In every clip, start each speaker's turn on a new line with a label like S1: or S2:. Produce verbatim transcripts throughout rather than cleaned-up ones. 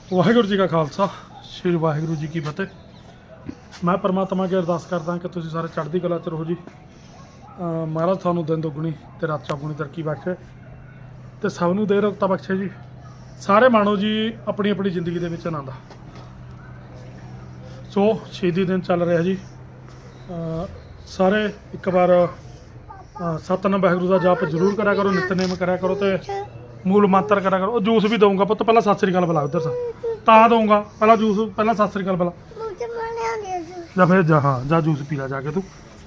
S1: ਵਾਹਿਗੁਰੂ ਜੀ ਕਾ ਖਾਲਸਾ ਸ਼੍ਰੀ ਵਾਹਿਗੁਰੂ ਜੀ ਕੀ ਫਤਿਹ। ਮੈਂ परमात्मा की अरदास करदा कि तुसीं सारे चढ़दी कला च रहो जी। महाराज थानू दिन दुगनी ते रात चौगुनी तरक्की बख्शे ते सब नूं दे रखता बख्शे जी। सारे माणो जी अपनी अपनी जिंदगी दे विच आनंद। सो शहीदी दिन चल रहा जी। अ, सारे एक बार सतनाम वाहिगुरू दा जाप जरूर करा करो, नितनेम करा करो ते मूल मंत्र करा करो। जूस भी दूंगा पुत्त, पहला सत श्री अकाल बुला उधर से ता दूंगा। पहला जूस पहला सत श्री अकाल बुला या फिर जा हाँ जा जूस पी ला जाके तू।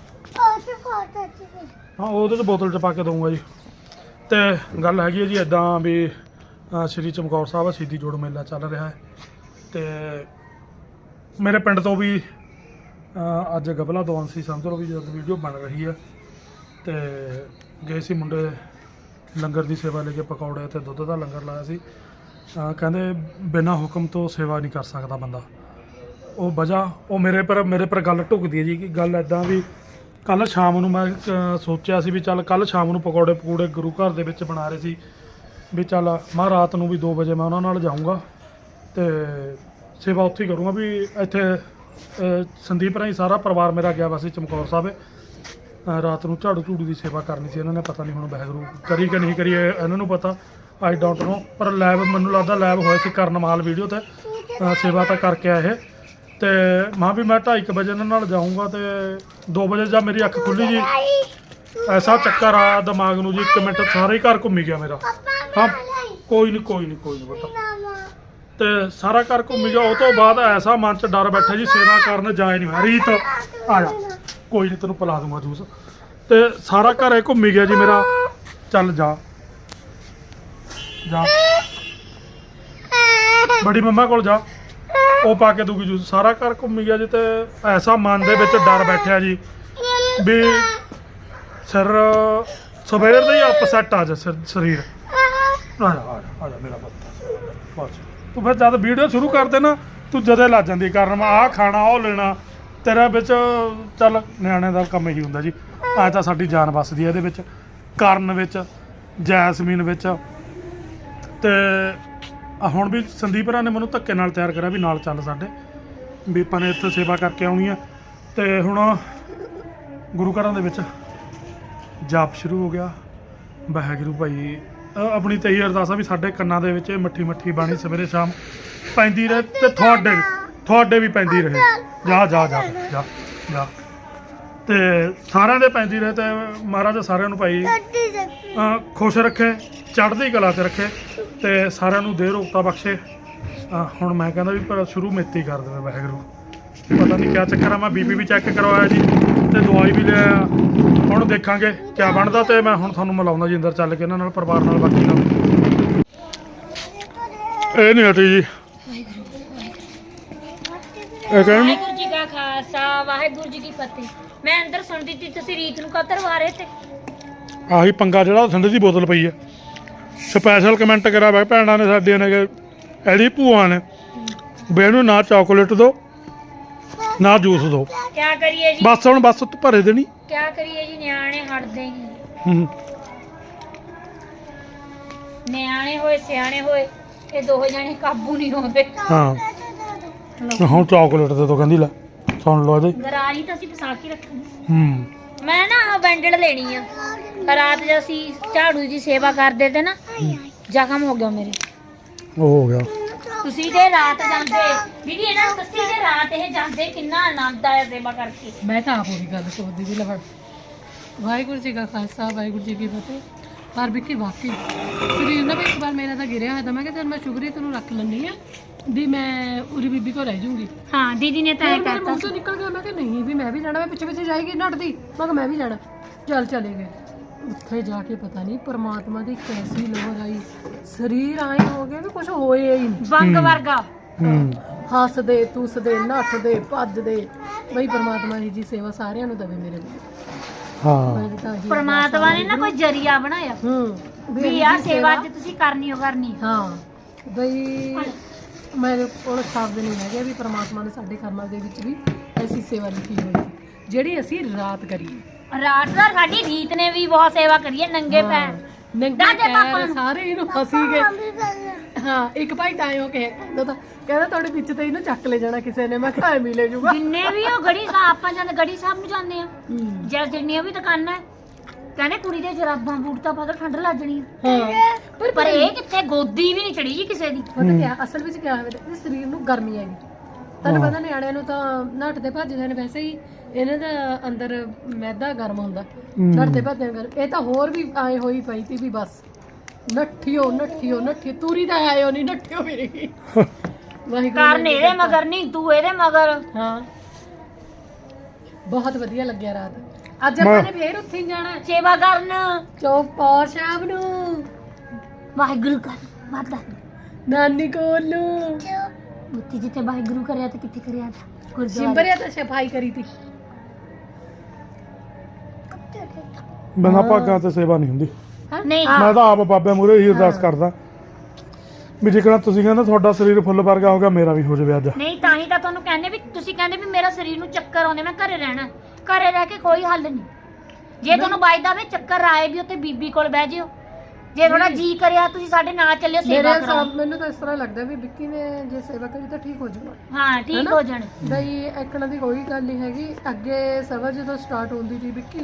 S1: हाँ वो बोतल च पा के दूंगा जी। तो गल हैगी जी इदा भी श्री चमकौर साहब शहीदी जोड़ मेला चल रहा है। तो मेरे पिंड तो भी अज गबला दौन सी समझ लो भी जब वीडियो बन रही है। तो गए सी मुंडे लंगर की सेवा लेके पकौड़े तो दुध का लंगर लाया सी। कहते बिना हुक्म तो सेवा नहीं कर सकता बंदा। वो वजह वो मेरे पर मेरे पर गल ढुकती है जी कि गल इदा भी कल शाम नूं मैं सोचा सी भी चल कल शाम नूं पकौड़े पकौड़े गुरु घर दे विच बना रहे सी भी चल मैं रात नूं भी दो बजे मैं उन्हां नाल जाऊँगा तो सेवा उत्थे ही करूँगा। भी इत्थे संदीप राही सारा परिवार मेरा गया वैसे चमकौर साहब रात नूं झाड़ू झूड़ू की सेवा करनी सी। इन्होंने पता नहीं हुण वाहिगुरू करी कि नहीं करी इन्होंने पता, आई डोंट नो। पर लैब मैनूं लगदा लैब होए सी करनमाल वीडियो ते सेवा तो करके आए। तो मां भी मैं ढाई क बजे इन्हां नाल जाऊँगा तो दो बजे जब मेरी अख खुली जी ऐसा चक्कर आया दिमाग नूं जी। एक मिनट सारे ही घर घूमी गया मेरा। हाँ कोई नहीं कोई नहीं कोई नहीं पता। तो सारा घर घूमी गया। उस तो बाद ऐसा मन च डर बैठा जी सेवा करन जाए नहीं मैं। रीत आ जा कोई नहीं तेनों पिला दूंगा जूस। तो सारा घर घूमी गया जी मेरा। चल जा जा बड़ी मम्मा कोल जा वो पा के दूगी जूस। सारा घर घूमी गया जी। तो ऐसा मन दे विच डर बैठा जी भी सिर सवेर दे ही अपसैट आ जा शरीर। आ जा आ जा आ जा मेरा पुत्त बस। तू फिर जब वीडियो शुरू कर दे ना तू जदे लग जाती कारण मैं आह खाना वो लेना तेरा बिच चल नियाणे दा कम ही हुंदा जी। अज तां साडी जान बसदी है इहदे विच करन विच जैसमीन विच। ते हुण भी संदीप रा ने मैनूं धक्के नाल तैयार करा भी नाल चल साडे भी आपां ने इत्थे सेवा करके आउणी है। ते हुण गुरु घरां दे विच जाप शुरू हो गया। वाहिगुरू भाई अपनी तो यही अरदास भी साडे कन्नां दे विच मट्ठी मट्ठी बाणी सवेरे शाम पैंदी रहे ते तुहाडे तुहाडे भी पैंदी रहे। जा जा जा जा जा ते सारिਆਂ दे पैंदी रहे। ते महाराज सारिਆਂ नूं भाई खुश रखे चढ़दी कला च रखे ते सारिਆਂ नूं दे रोकता बख्शे। हुण मैं कहंदा भी पर शुरू मेती कर देवे वाहिगुरू। पता नहीं क्या चक्कर है। मैं बीपी भी चैक करवाया जी ते दवाई भी ले आया। हुण देखांगे क्या बनदा। ते मैं हुण तुहानूं मिलाउंदा जी अंदर चल के इन्हां नाल परिवार नाल बाकी नाल ਇਹ नहीं हटी जी।
S2: ਵਾਹਿਗੁਰੂ ਜੀ ਕਾ ਖਾਲਸਾ ਵਾਹਿਗੁਰੂ ਜੀ ਕੀ ਫਤਿਹ। ਮੈਂ ਅੰਦਰ ਸੁਣਦੀ ਸੀ ਤੁਸੀਂ ਰੀਤ ਨੂੰ ਕਤਰ ਵਾਰੇ ਤੇ
S1: ਆਹੀ ਪੰਗਾ ਜਿਹੜਾ ਠੰਡੇ ਦੀ ਬੋਤਲ ਪਈ ਹੈ। ਸਪੈਸ਼ਲ ਕਮੈਂਟ ਕਰਾ ਵਾ ਭੈਣਾਂ ਨੇ ਸਾਡੀਆਂ ਨੇ ਕਿ ਇਹਦੀ ਭੂਆ ਨੇ ਵੀ ਇਹਨੂੰ ਨਾ ਚਾਕਲੇਟ ਦੋ ਨਾ ਜੂਸ ਦੋ।
S2: ਕਿਆ ਕਰੀਏ ਜੀ
S1: ਬਸ ਹੁਣ ਬਸ ਤੂੰ ਭਰੇ ਦੇਣੀ।
S2: ਕਿਆ ਕਰੀਏ ਜੀ ਨਿਆਣੇ ਹਟਦੇ ਨਹੀਂ।
S1: ਹੂੰ
S2: ਨਿਆਣੇ ਹੋਏ ਸਿਆਣੇ ਹੋਏ ਇਹ ਦੋਹੇ ਜਾਣੇ ਕਾਬੂ ਨਹੀਂ ਹੁੰਦੇ।
S1: ਹਾਂ ਹੁਣ ਚਾਕਲੇਟ ਦੇ ਦੋ ਕਹਿੰਦੀ ਲੈ ਸੁਣ ਲਓ ਇਹਦੇ
S2: ਗਰਾਰੀ ਤਾਂ ਅਸੀਂ ਫਸਾ ਕੇ ਰੱਖਣੀ।
S1: ਹੂੰ
S2: ਮੈਂ ਨਾ ਆਹ ਬੈਂਡਲ ਲੈਣੀ ਆ। ਰਾਤ ਜਦ ਅਸੀਂ ਝਾੜੂ ਦੀ ਸੇਵਾ ਕਰਦੇ ਤੇ ਨਾ ਜ਼ਖਮ ਹੋ ਗਿਆ ਮੇਰੇ।
S1: ਉਹ ਹੋ ਗਿਆ
S2: ਤੁਸੀਂ ਤੇ ਰਾਤ ਜਾਂਦੇ ਦੀਦੀ ਇਹਨਾਂ ਨੂੰ ਦੱਸੀ ਤੇ ਰਾਤ ਇਹ ਜਾਂਦੇ ਕਿੰਨਾ ਆਨੰਦ ਆਇਆ ਸੇਵਾ ਕਰਕੇ।
S3: ਮੈਂ ਤਾਂ ਆਪ ਉਹੀ ਗੱਲ ਸੋਚਦੀ ਸੀ। ਲੈ ਵਾਹਿਗੁਰੂ ਜੀ ਕਾ ਖਾਲਸਾ ਵਾਹਿਗੁਰੂ ਜੀ ਕੀ ਫਤਿਹ। ਪਰ ਵਿੱਕੀ ਵਾਕਈ ਸਰੀਰ ਨਾ ਵੀ ਇੱਕ ਵਾਰ ਮੇਰਾ ਤਾਂ ਗਿਰਿਆ ਹੋਇਆ ਤਾਂ ਮੈਂ ਕਿਹਾ ਚੱਲ ਮੈਂ ਸ਼ੁਕਰੀ ਤੈਨੂੰ ਰੱਖ ਲੈਂਦੀ ਆ ਵੀ ਮੈਂ ਉਰੀ ਬੀਬੀ ਕੋਲ ਰਹਿ ਜੂੰਗੀ।
S2: ਹਾਂ ਦੀਦੀ ਨੇ ਤਾਂ ਇਹ
S3: ਮੇਰੇ
S2: ਕਹਿਤਾ
S3: ਮੂੰਹ ਤੋਂ ਨਿਕਲ ਗਿਆ। ਮੈਂ ਕਿਹਾ ਨਹੀਂ ਵੀ ਮੈਂ ਵੀ ਜਾਣਾ। ਮੈਂ ਪਿੱਛੇ ਪਿੱਛੇ ਜਾਏਗੀ ਨੱਟਦੀ। ਮੈਂ ਕਿਹਾ ਮੈਂ ਵੀ ਜਾਣਾ। ਚੱਲ ਚਲੇ ਗਏ। ਉੱਥੇ ਜਾ ਕੇ ਪਤਾ ਨਹੀਂ ਪਰਮਾਤਮਾ ਦੀ ਕੈਸੀ ਲੋਹਰ ਆਈ। ਸਰੀਰ ਆਏ ਹੋ ਗਿਆ ਵੀ ਕੁਝ ਹੋਏ ਹੀ ਨਹੀਂ।
S2: ਬੰਗ ਵਰਗਾ
S3: ਹੱਸਦੇ ਤੁਸਦੇ ਨੱਠਦੇ ਭੱਜਦੇ। ਬਈ ਪਰਮਾਤਮਾ ਜੀ ਦੀ ਸੇਵਾ ਸਾਰਿਆਂ ਨੂੰ ਦੇਵੇ ਮੇਰੇ ਲਈ।
S1: ਹਾਂ
S2: ਪਰਮਾਤਮਾ ਨੇ ਨਾ ਕੋਈ ਜਰੀਆ ਬਣਾਇਆ
S3: ਹੂੰ
S2: ਵੀ ਆਹ ਸੇਵਾ ਅੱਜ ਤੁਸੀਂ ਕਰਨੀ ਹੋ ਕਰਨੀ।
S3: ਹਾਂ ਬਈ ਮੇਰੇ ਕੋਲ ਸ਼ਬਦ ਨਹੀਂ ਹੈਗੇ ਵੀ ਪਰਮਾਤਮਾ ਨੇ ਸਾਡੇ ਕਰਮਾਂ ਦੇ ਵਿੱਚ ਵੀ ਐਸੀ ਸੇਵਾ ਲਿਖੀ ਹੋਈ ਜਿਹੜੀ ਅਸੀਂ ਰਾਤ ਕਰੀਏ।
S2: ਰਾਤ ਦਾ ਸਾਡੀ ਰੀਤ ਨੇ ਵੀ ਬਹੁਤ ਸੇਵਾ ਕਰੀ ਹੈ। ਨੰਗੇ ਪੈਰ
S3: ਨੰਗੇ ਪੈਰ ਸਾਰੇ ਇਹਨੂੰ ਫਸੀ ਗਏ। ਹਾਂ ਇੱਕ ਭਾਈ ਤਾਂ ਉਹ ਕਹਿ ਕਹਿੰਦਾ ਤਾਂ ਕਹਿੰਦਾ ਤੁਹਾਡੇ ਵਿੱਚ ਤੇ ਇਹਨੂੰ ਚੱਕ ਲੈ ਜਾਣਾ ਕਿਸੇ ਨੇ ਮੈਂ ਕਿਹਾ ਐਵੇਂ ਲੈ ਜਾਊਗਾ
S2: ਜਿੰਨੇ ਵੀ ਉਹ ਗੜੀ ਸਾਹਿਬ ਆਪਾਂ ਜਾਂਦੇ ਗੜੀ ਸਾਹਿਬ ਨੂੰ ਜਾਂਦੇ ਆ ਜਾਂ ਜਿੰਨੀਆਂ ਵੀ ਦੁਕਾਨਾਂ ਹੈ, ਕਹਿੰਦੇ ਕੁੜੀ ਦੇ ਜਰਾਬਾਂ ਬੂਟ ਤਾਂ ਪਤਾ ਠੰਡ ਲੱਗ ਜਣੀ
S3: ਹਾਂ ਪਰ
S2: ਪਰ ਇਹ ਕਿੱਥੇ ਗੋਦੀ ਵੀ ਨਹੀਂ ਚੜੀ ਜੀ ਕਿਸੇ ਦੀ
S3: ਪਤਾ ਕਿਆ ਅਸਲ ਵਿੱਚ ਕਿਆ ਹੋਵੇ ਤੇ ਸਰੀਰ ਨੂੰ ਗਰਮੀ ਆਈ ਤੁਹਾਨੂੰ ਪਤਾ ਨਿਆਣਿਆਂ ਨੂੰ ਤਾਂ ਨੱਠਦੇ ਭੱਜਦੇ ਨੇ ਵੈਸੇ ਹੀ ਇਹਨਾਂ ਦਾ ਅੰਦਰ ਮੈਦਾ ਗਰਮ ਹੁੰਦਾ ਨੱਠਦੇ ਭੱਜਦੇ ਗਰਮ ਇਹ ਤਾਂ ਹੋਰ ਵੀ ਆਏ ਹੋਈ ਪਈ ਤੀ ਵੀ ਬਸ ਨੱਠਿਓ ਨੱਠਿਓ ਨੱਠੀ ਤੂਰੀ ਤਾਂ ਆਇਓ ਨਹੀਂ ਨੱਠਿਓ ਮੇਰੀ ਵਾਹਿਗੁਰੂ
S2: ਕਾਰਨ ਇਹਦੇ ਮਗਰ ਨਹੀਂ ਤੂੰ ਇਹਦੇ ਮਗਰ
S3: ਹਾਂ ਬਹੁਤ ਵਧੀਆ ਲੱਗਿਆ ਰਾਤ ਅੱਜ ਆਪਾਂ ਨੇ ਫੇਰ ਉੱਥੇ ਹੀ ਜਾਣਾ
S2: ਸੇਵਾ ਕਰਨ
S3: ਚੌਪਾਰ ਸਾਹਿਬ ਨੂੰ
S2: ਵਾਹਿਗੁਰੂ ਕਰ ਮਾਤਾ
S3: ਨਾਨੀ ਕੋਲ ਨੂੰ
S2: ਉੱਥੇ ਜਿੱਥੇ ਵਾਹਿਗੁਰੂ ਕਰਿਆ ਤੇ ਕਿੱਥੇ ਕਰਿਆ ਤਾ ਗੁਰਦੁਆਰੇ
S3: ਸਿੰਬਰਿਆ ਤਾਂ ਸਫਾਈ ਕਰੀ ਤੀ
S1: ਬਿਨਾਂ ਭਾਗਾਂ ਤੇ ਸੇਵਾ ਨਹੀਂ ਹੁੰਦੀ।
S2: ਨਹੀਂ
S1: ਮੈਂ ਤਾਂ ਆਪ ਬਾਬੇ ਮੂਹਰੇ ਹੀ ਅਰਦਾਸ ਕਰਦਾ ਵੀ ਜਿਕਣਾ ਤੁਸੀਂ ਕਹਿੰਦੇ ਤੁਹਾਡਾ ਸਰੀਰ ਫੁੱਲ ਵਰਗਾ ਹੋ ਗਿਆ ਮੇਰਾ ਵੀ ਹੋ ਜਾਵੇ ਅੱਜ।
S2: ਨਹੀਂ ਤਾਂ ਹੀ ਤਾਂ ਤੁਹਾਨੂੰ ਕਹਿੰਦੇ ਵੀ ਤੁਸੀਂ ਕਹਿੰਦੇ ਵੀ ਮੇਰਾ ਸਰੀਰ ਨੂੰ ਚੱਕਰ ਆਉਂਦੇ ਮੈਂ ਘਰੇ ਰਹਿਣਾ ਘਰੇ ਰਹਿ ਕੇ ਕੋਈ ਹੱਲ ਨਹੀਂ ਜੇ ਤੁਹਾਨੂੰ ਬਾਈਦਾ ਵੇ ਚੱਕਰ ਆਏ ਵੀ ਉੱਥੇ ਬੀਬੀ ਕੋਲ ਬਹਿ ਜਿਓ ਜੇ ਥੋੜਾ ਜੀ ਕਰਿਆ ਤੁਸੀਂ ਸਾਡੇ ਨਾਲ ਚੱਲਿਓ ਸੇਵਾ
S3: ਮੇਰੇ
S2: ਕਰਾਓ
S3: ਹਿਸਾਬ ਮੈਨੂੰ ਤਾਂ ਇਸ ਤਰ੍ਹਾਂ ਲੱਗਦਾ ਵੀ ਵਿੱਕੀ ਨੇ ਜੇ ਸੇਵਾ ਕਰੀ ਤਾਂ ਠੀਕ ਹੋ ਜਾਊਗਾ
S2: ਹਾਂ ਠੀਕ ਹੋ ਜਾਣ
S3: ਬਈ ਐਕਣਾ ਦੀ ਕੋਈ ਗੱਲ ਨਹੀਂ ਹੈਗੀ ਅੱਗੇ ਸਭਾ ਜਦੋਂ ਸਟਾਰਟ ਹੁੰਦੀ ਸੀ ਵਿੱਕੀ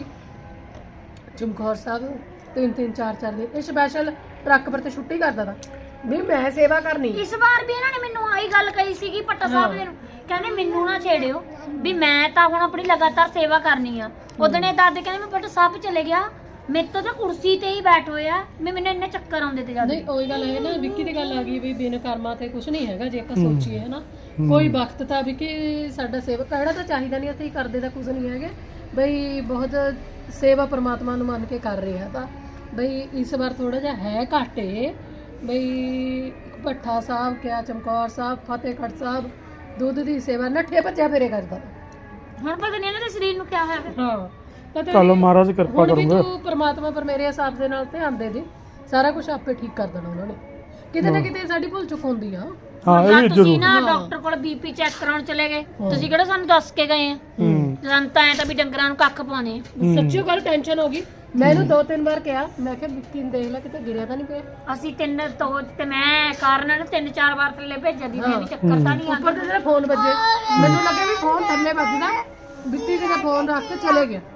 S3: ਚਮਕੌਰ ਸਾਹਿਬ ਤਿੰਨ ਤਿੰਨ ਚਾਰ ਚਾਰ ਦਿਨ ਇਹ ਸਪੈਸ਼ਲ ਟਰੱਕ ਪਰ ਤੇ ਛੁੱਟੀ ਕਰਦਾ ਤਾ ਵੀ ਮੈਂ ਸੇਵਾ ਕਰਨੀ
S2: ਇਸ ਵਾਰ ਵੀ ਇਹਨਾਂ ਨੇ ਮੈਨੂੰ ਆਹੀ ਗੱਲ ਕਹੀ ਸੀਗੀ ਪੱਟਾ ਸਾਹਿਬ ਜੀ ਨੂੰ ਕਹਿੰਦੇ ਮੈਨੂੰ ਨਾ ਛੇੜਿਓ ਵੀ ਮੈਂ ਤਾਂ ਹੁਣ ਆਪਣੀ ਲਗਾਤਾਰ ਸੇਵਾ ਕਰਨੀ ਆ ਉਦਣੇ ਦਾਦੇ ਕਹਿੰਦੇ ਮੈਂ ਪੱਟਾ ਸਾਹਿਬ ਚਲੇ ਗਿਆ ਮੇਰੇ ਤੋਂ ਤਾਂ ਕੁਰਸੀ ਤੇ ਹੀ ਬੈਠ ਹੋਇਆ ਮੈਂ ਮੈਨੂੰ ਇੰਨੇ ਚੱਕਰ ਆਉਂਦੇ ਤੇ ਜਾਂਦੇ
S3: ਨਹੀਂ ਉਹੀ ਗੱਲ ਹੈ ਨਾ ਵਿੱਕੀ ਦੀ ਗੱਲ ਆ ਗਈ ਵੀ ਬਿਨ ਕਰਮਾਂ ਤੇ ਕੁਝ ਨਹੀਂ ਹੈਗਾ ਜੇ ਆਪਾਂ ਸੋਚੀਏ ਹੈ ਨਾ ਕੋਈ ਵਕਤ ਤਾਂ ਵਿੱਕੀ ਸਾਡਾ ਸੇਵਾ ਕਹਿਣਾ ਤਾਂ ਚਾਹੀਦਾ ਨਹੀਂ ਅਸੀਂ ਕਰਦੇ ਤਾਂ ਕੁਝ ਨਹੀਂ ਹੈਗੇ ਬਈ ਬਹੁਤ ਸੇਵਾ ਪ੍ਰਮਾਤਮਾ ਨੂੰ ਮੰਨ ਕੇ ਕਰ ਰਿਹਾ ਤਾਂ ਬਈ ਇਸ ਵਾਰ ਥੋੜਾ ਜਿਹਾ ਹੈ ਘਾਟੇ ਬਈ ਭੱਠਾ ਸਾਹਿਬ ਕਿਆ ਚਮਕੌਰ ਸਾਹਿਬ ਫਤਿਹਗੜ੍ਹ ਸਾਹਿਬ ਦੁੱਧ ਦੀ ਸੇਵਾ ਨੱਠੇ ਭੱਜਿਆ ਫੇਰੇ ਕਰਦਾ
S2: ਹੁਣ ਪਤਾ ਨਹੀਂ ਇਹਨਾਂ ਦੇ ਸਰੀਰ ਨੂੰ ਕਿਆ ਹੋਇਆ ਫਿਰ
S3: ਹਾਂ ਪਤਾ
S1: ਚਲੋ
S3: ਨਹੀਂ
S1: ਮਹਾਰਾਜ ਕਿਰਪਾ
S3: ਹੁਣ ਵੀ
S1: ਕਰੂੰਗਾ।
S3: ਤੂੰ ਪ੍ਰਮਾਤਮਾ ਪਰ ਮੇਰੇ ਹਿਸਾਬ ਦੇ ਨਾਲ ਧਿਆਨ ਦੇ ਦੇ ਸਾਰਾ ਕੁਝ ਆਪੇ ਠੀਕ ਕਰ ਦੇਣਾ ਉਹਨਾਂ ਨੇ ਕਿਤੇ ਨਾ ਕਿਤੇ ਸਾਡੀ ਭੁੱਲ ਚੁੱਕ ਹੁੰਦੀ ਆ
S1: ਹਾਂ ਇਹ
S2: ਜਾਂ
S1: ਵੀ
S2: ਤੁਸੀਂ
S1: ਜ਼ਰੂਰ।
S2: ਨਾ ਡਾਕਟਰ ਕੋਲ ਬੀਪੀ ਚੈੱਕ ਕਰਾਉਣ ਚਲੇ ਗਏ ਤੁਸੀਂ ਕਿਹੜਾ ਸਾਨੂੰ ਦੱਸ ਕੇ ਗਏ ਆ
S1: ਹੂੰ
S2: ਸਾਨੂੰ ਤਾਂ ਐ ਤਾਂ ਵੀ ਡੰਗਰਾਂ ਨੂੰ ਕੱਖ ਪਾਉਣੇ ਆ
S3: ਸੱਚੀ ਗੱਲ ਟੈਨਸ਼ਨ ਹੋ ਗਈ ਮੈਂ ਇਹਨੂੰ ਦੋ ਤਿੰਨ ਵਾਰ ਕਿਹਾ ਮੈਂ ਕਿਹਾ ਵਿੱਕੀ ਨੂੰ ਦੇਖ ਲੈ ਕਿਤੇ ਗਿਰਿਆ ਤਾਂ ਨਹੀਂ ਪਿਆ
S2: ਅਸੀਂ ਤਿੰਨ ਤੋਂ ਤੇ ਮੈਂ ਕਾਰਨ ਨੇ ਤਿੰਨ ਚਾਰ ਵਾਰ ਥੱਲੇ ਭੇਜਿਆ ਦੀ ਮੈਂ ਵੀ ਚੱਕਰ ਤਾਂ ਨਹੀਂ
S3: ਉੱਪਰ
S2: ਆਉਂਦਾ
S3: ਤੇ ਜਿਹੜਾ ਫੋਨ ਵੱਜੇ ਮੈਨੂੰ ਲੱਗਿਆ ਵੀ ਫੋਨ ਥੱਲੇ ਵੱਜਦਾ ਵਿੱਕੀ ਜੀ ਦਾ ਫੋਨ ਰੱਖ ਕੇ ਚਲੇ ਗਿਆ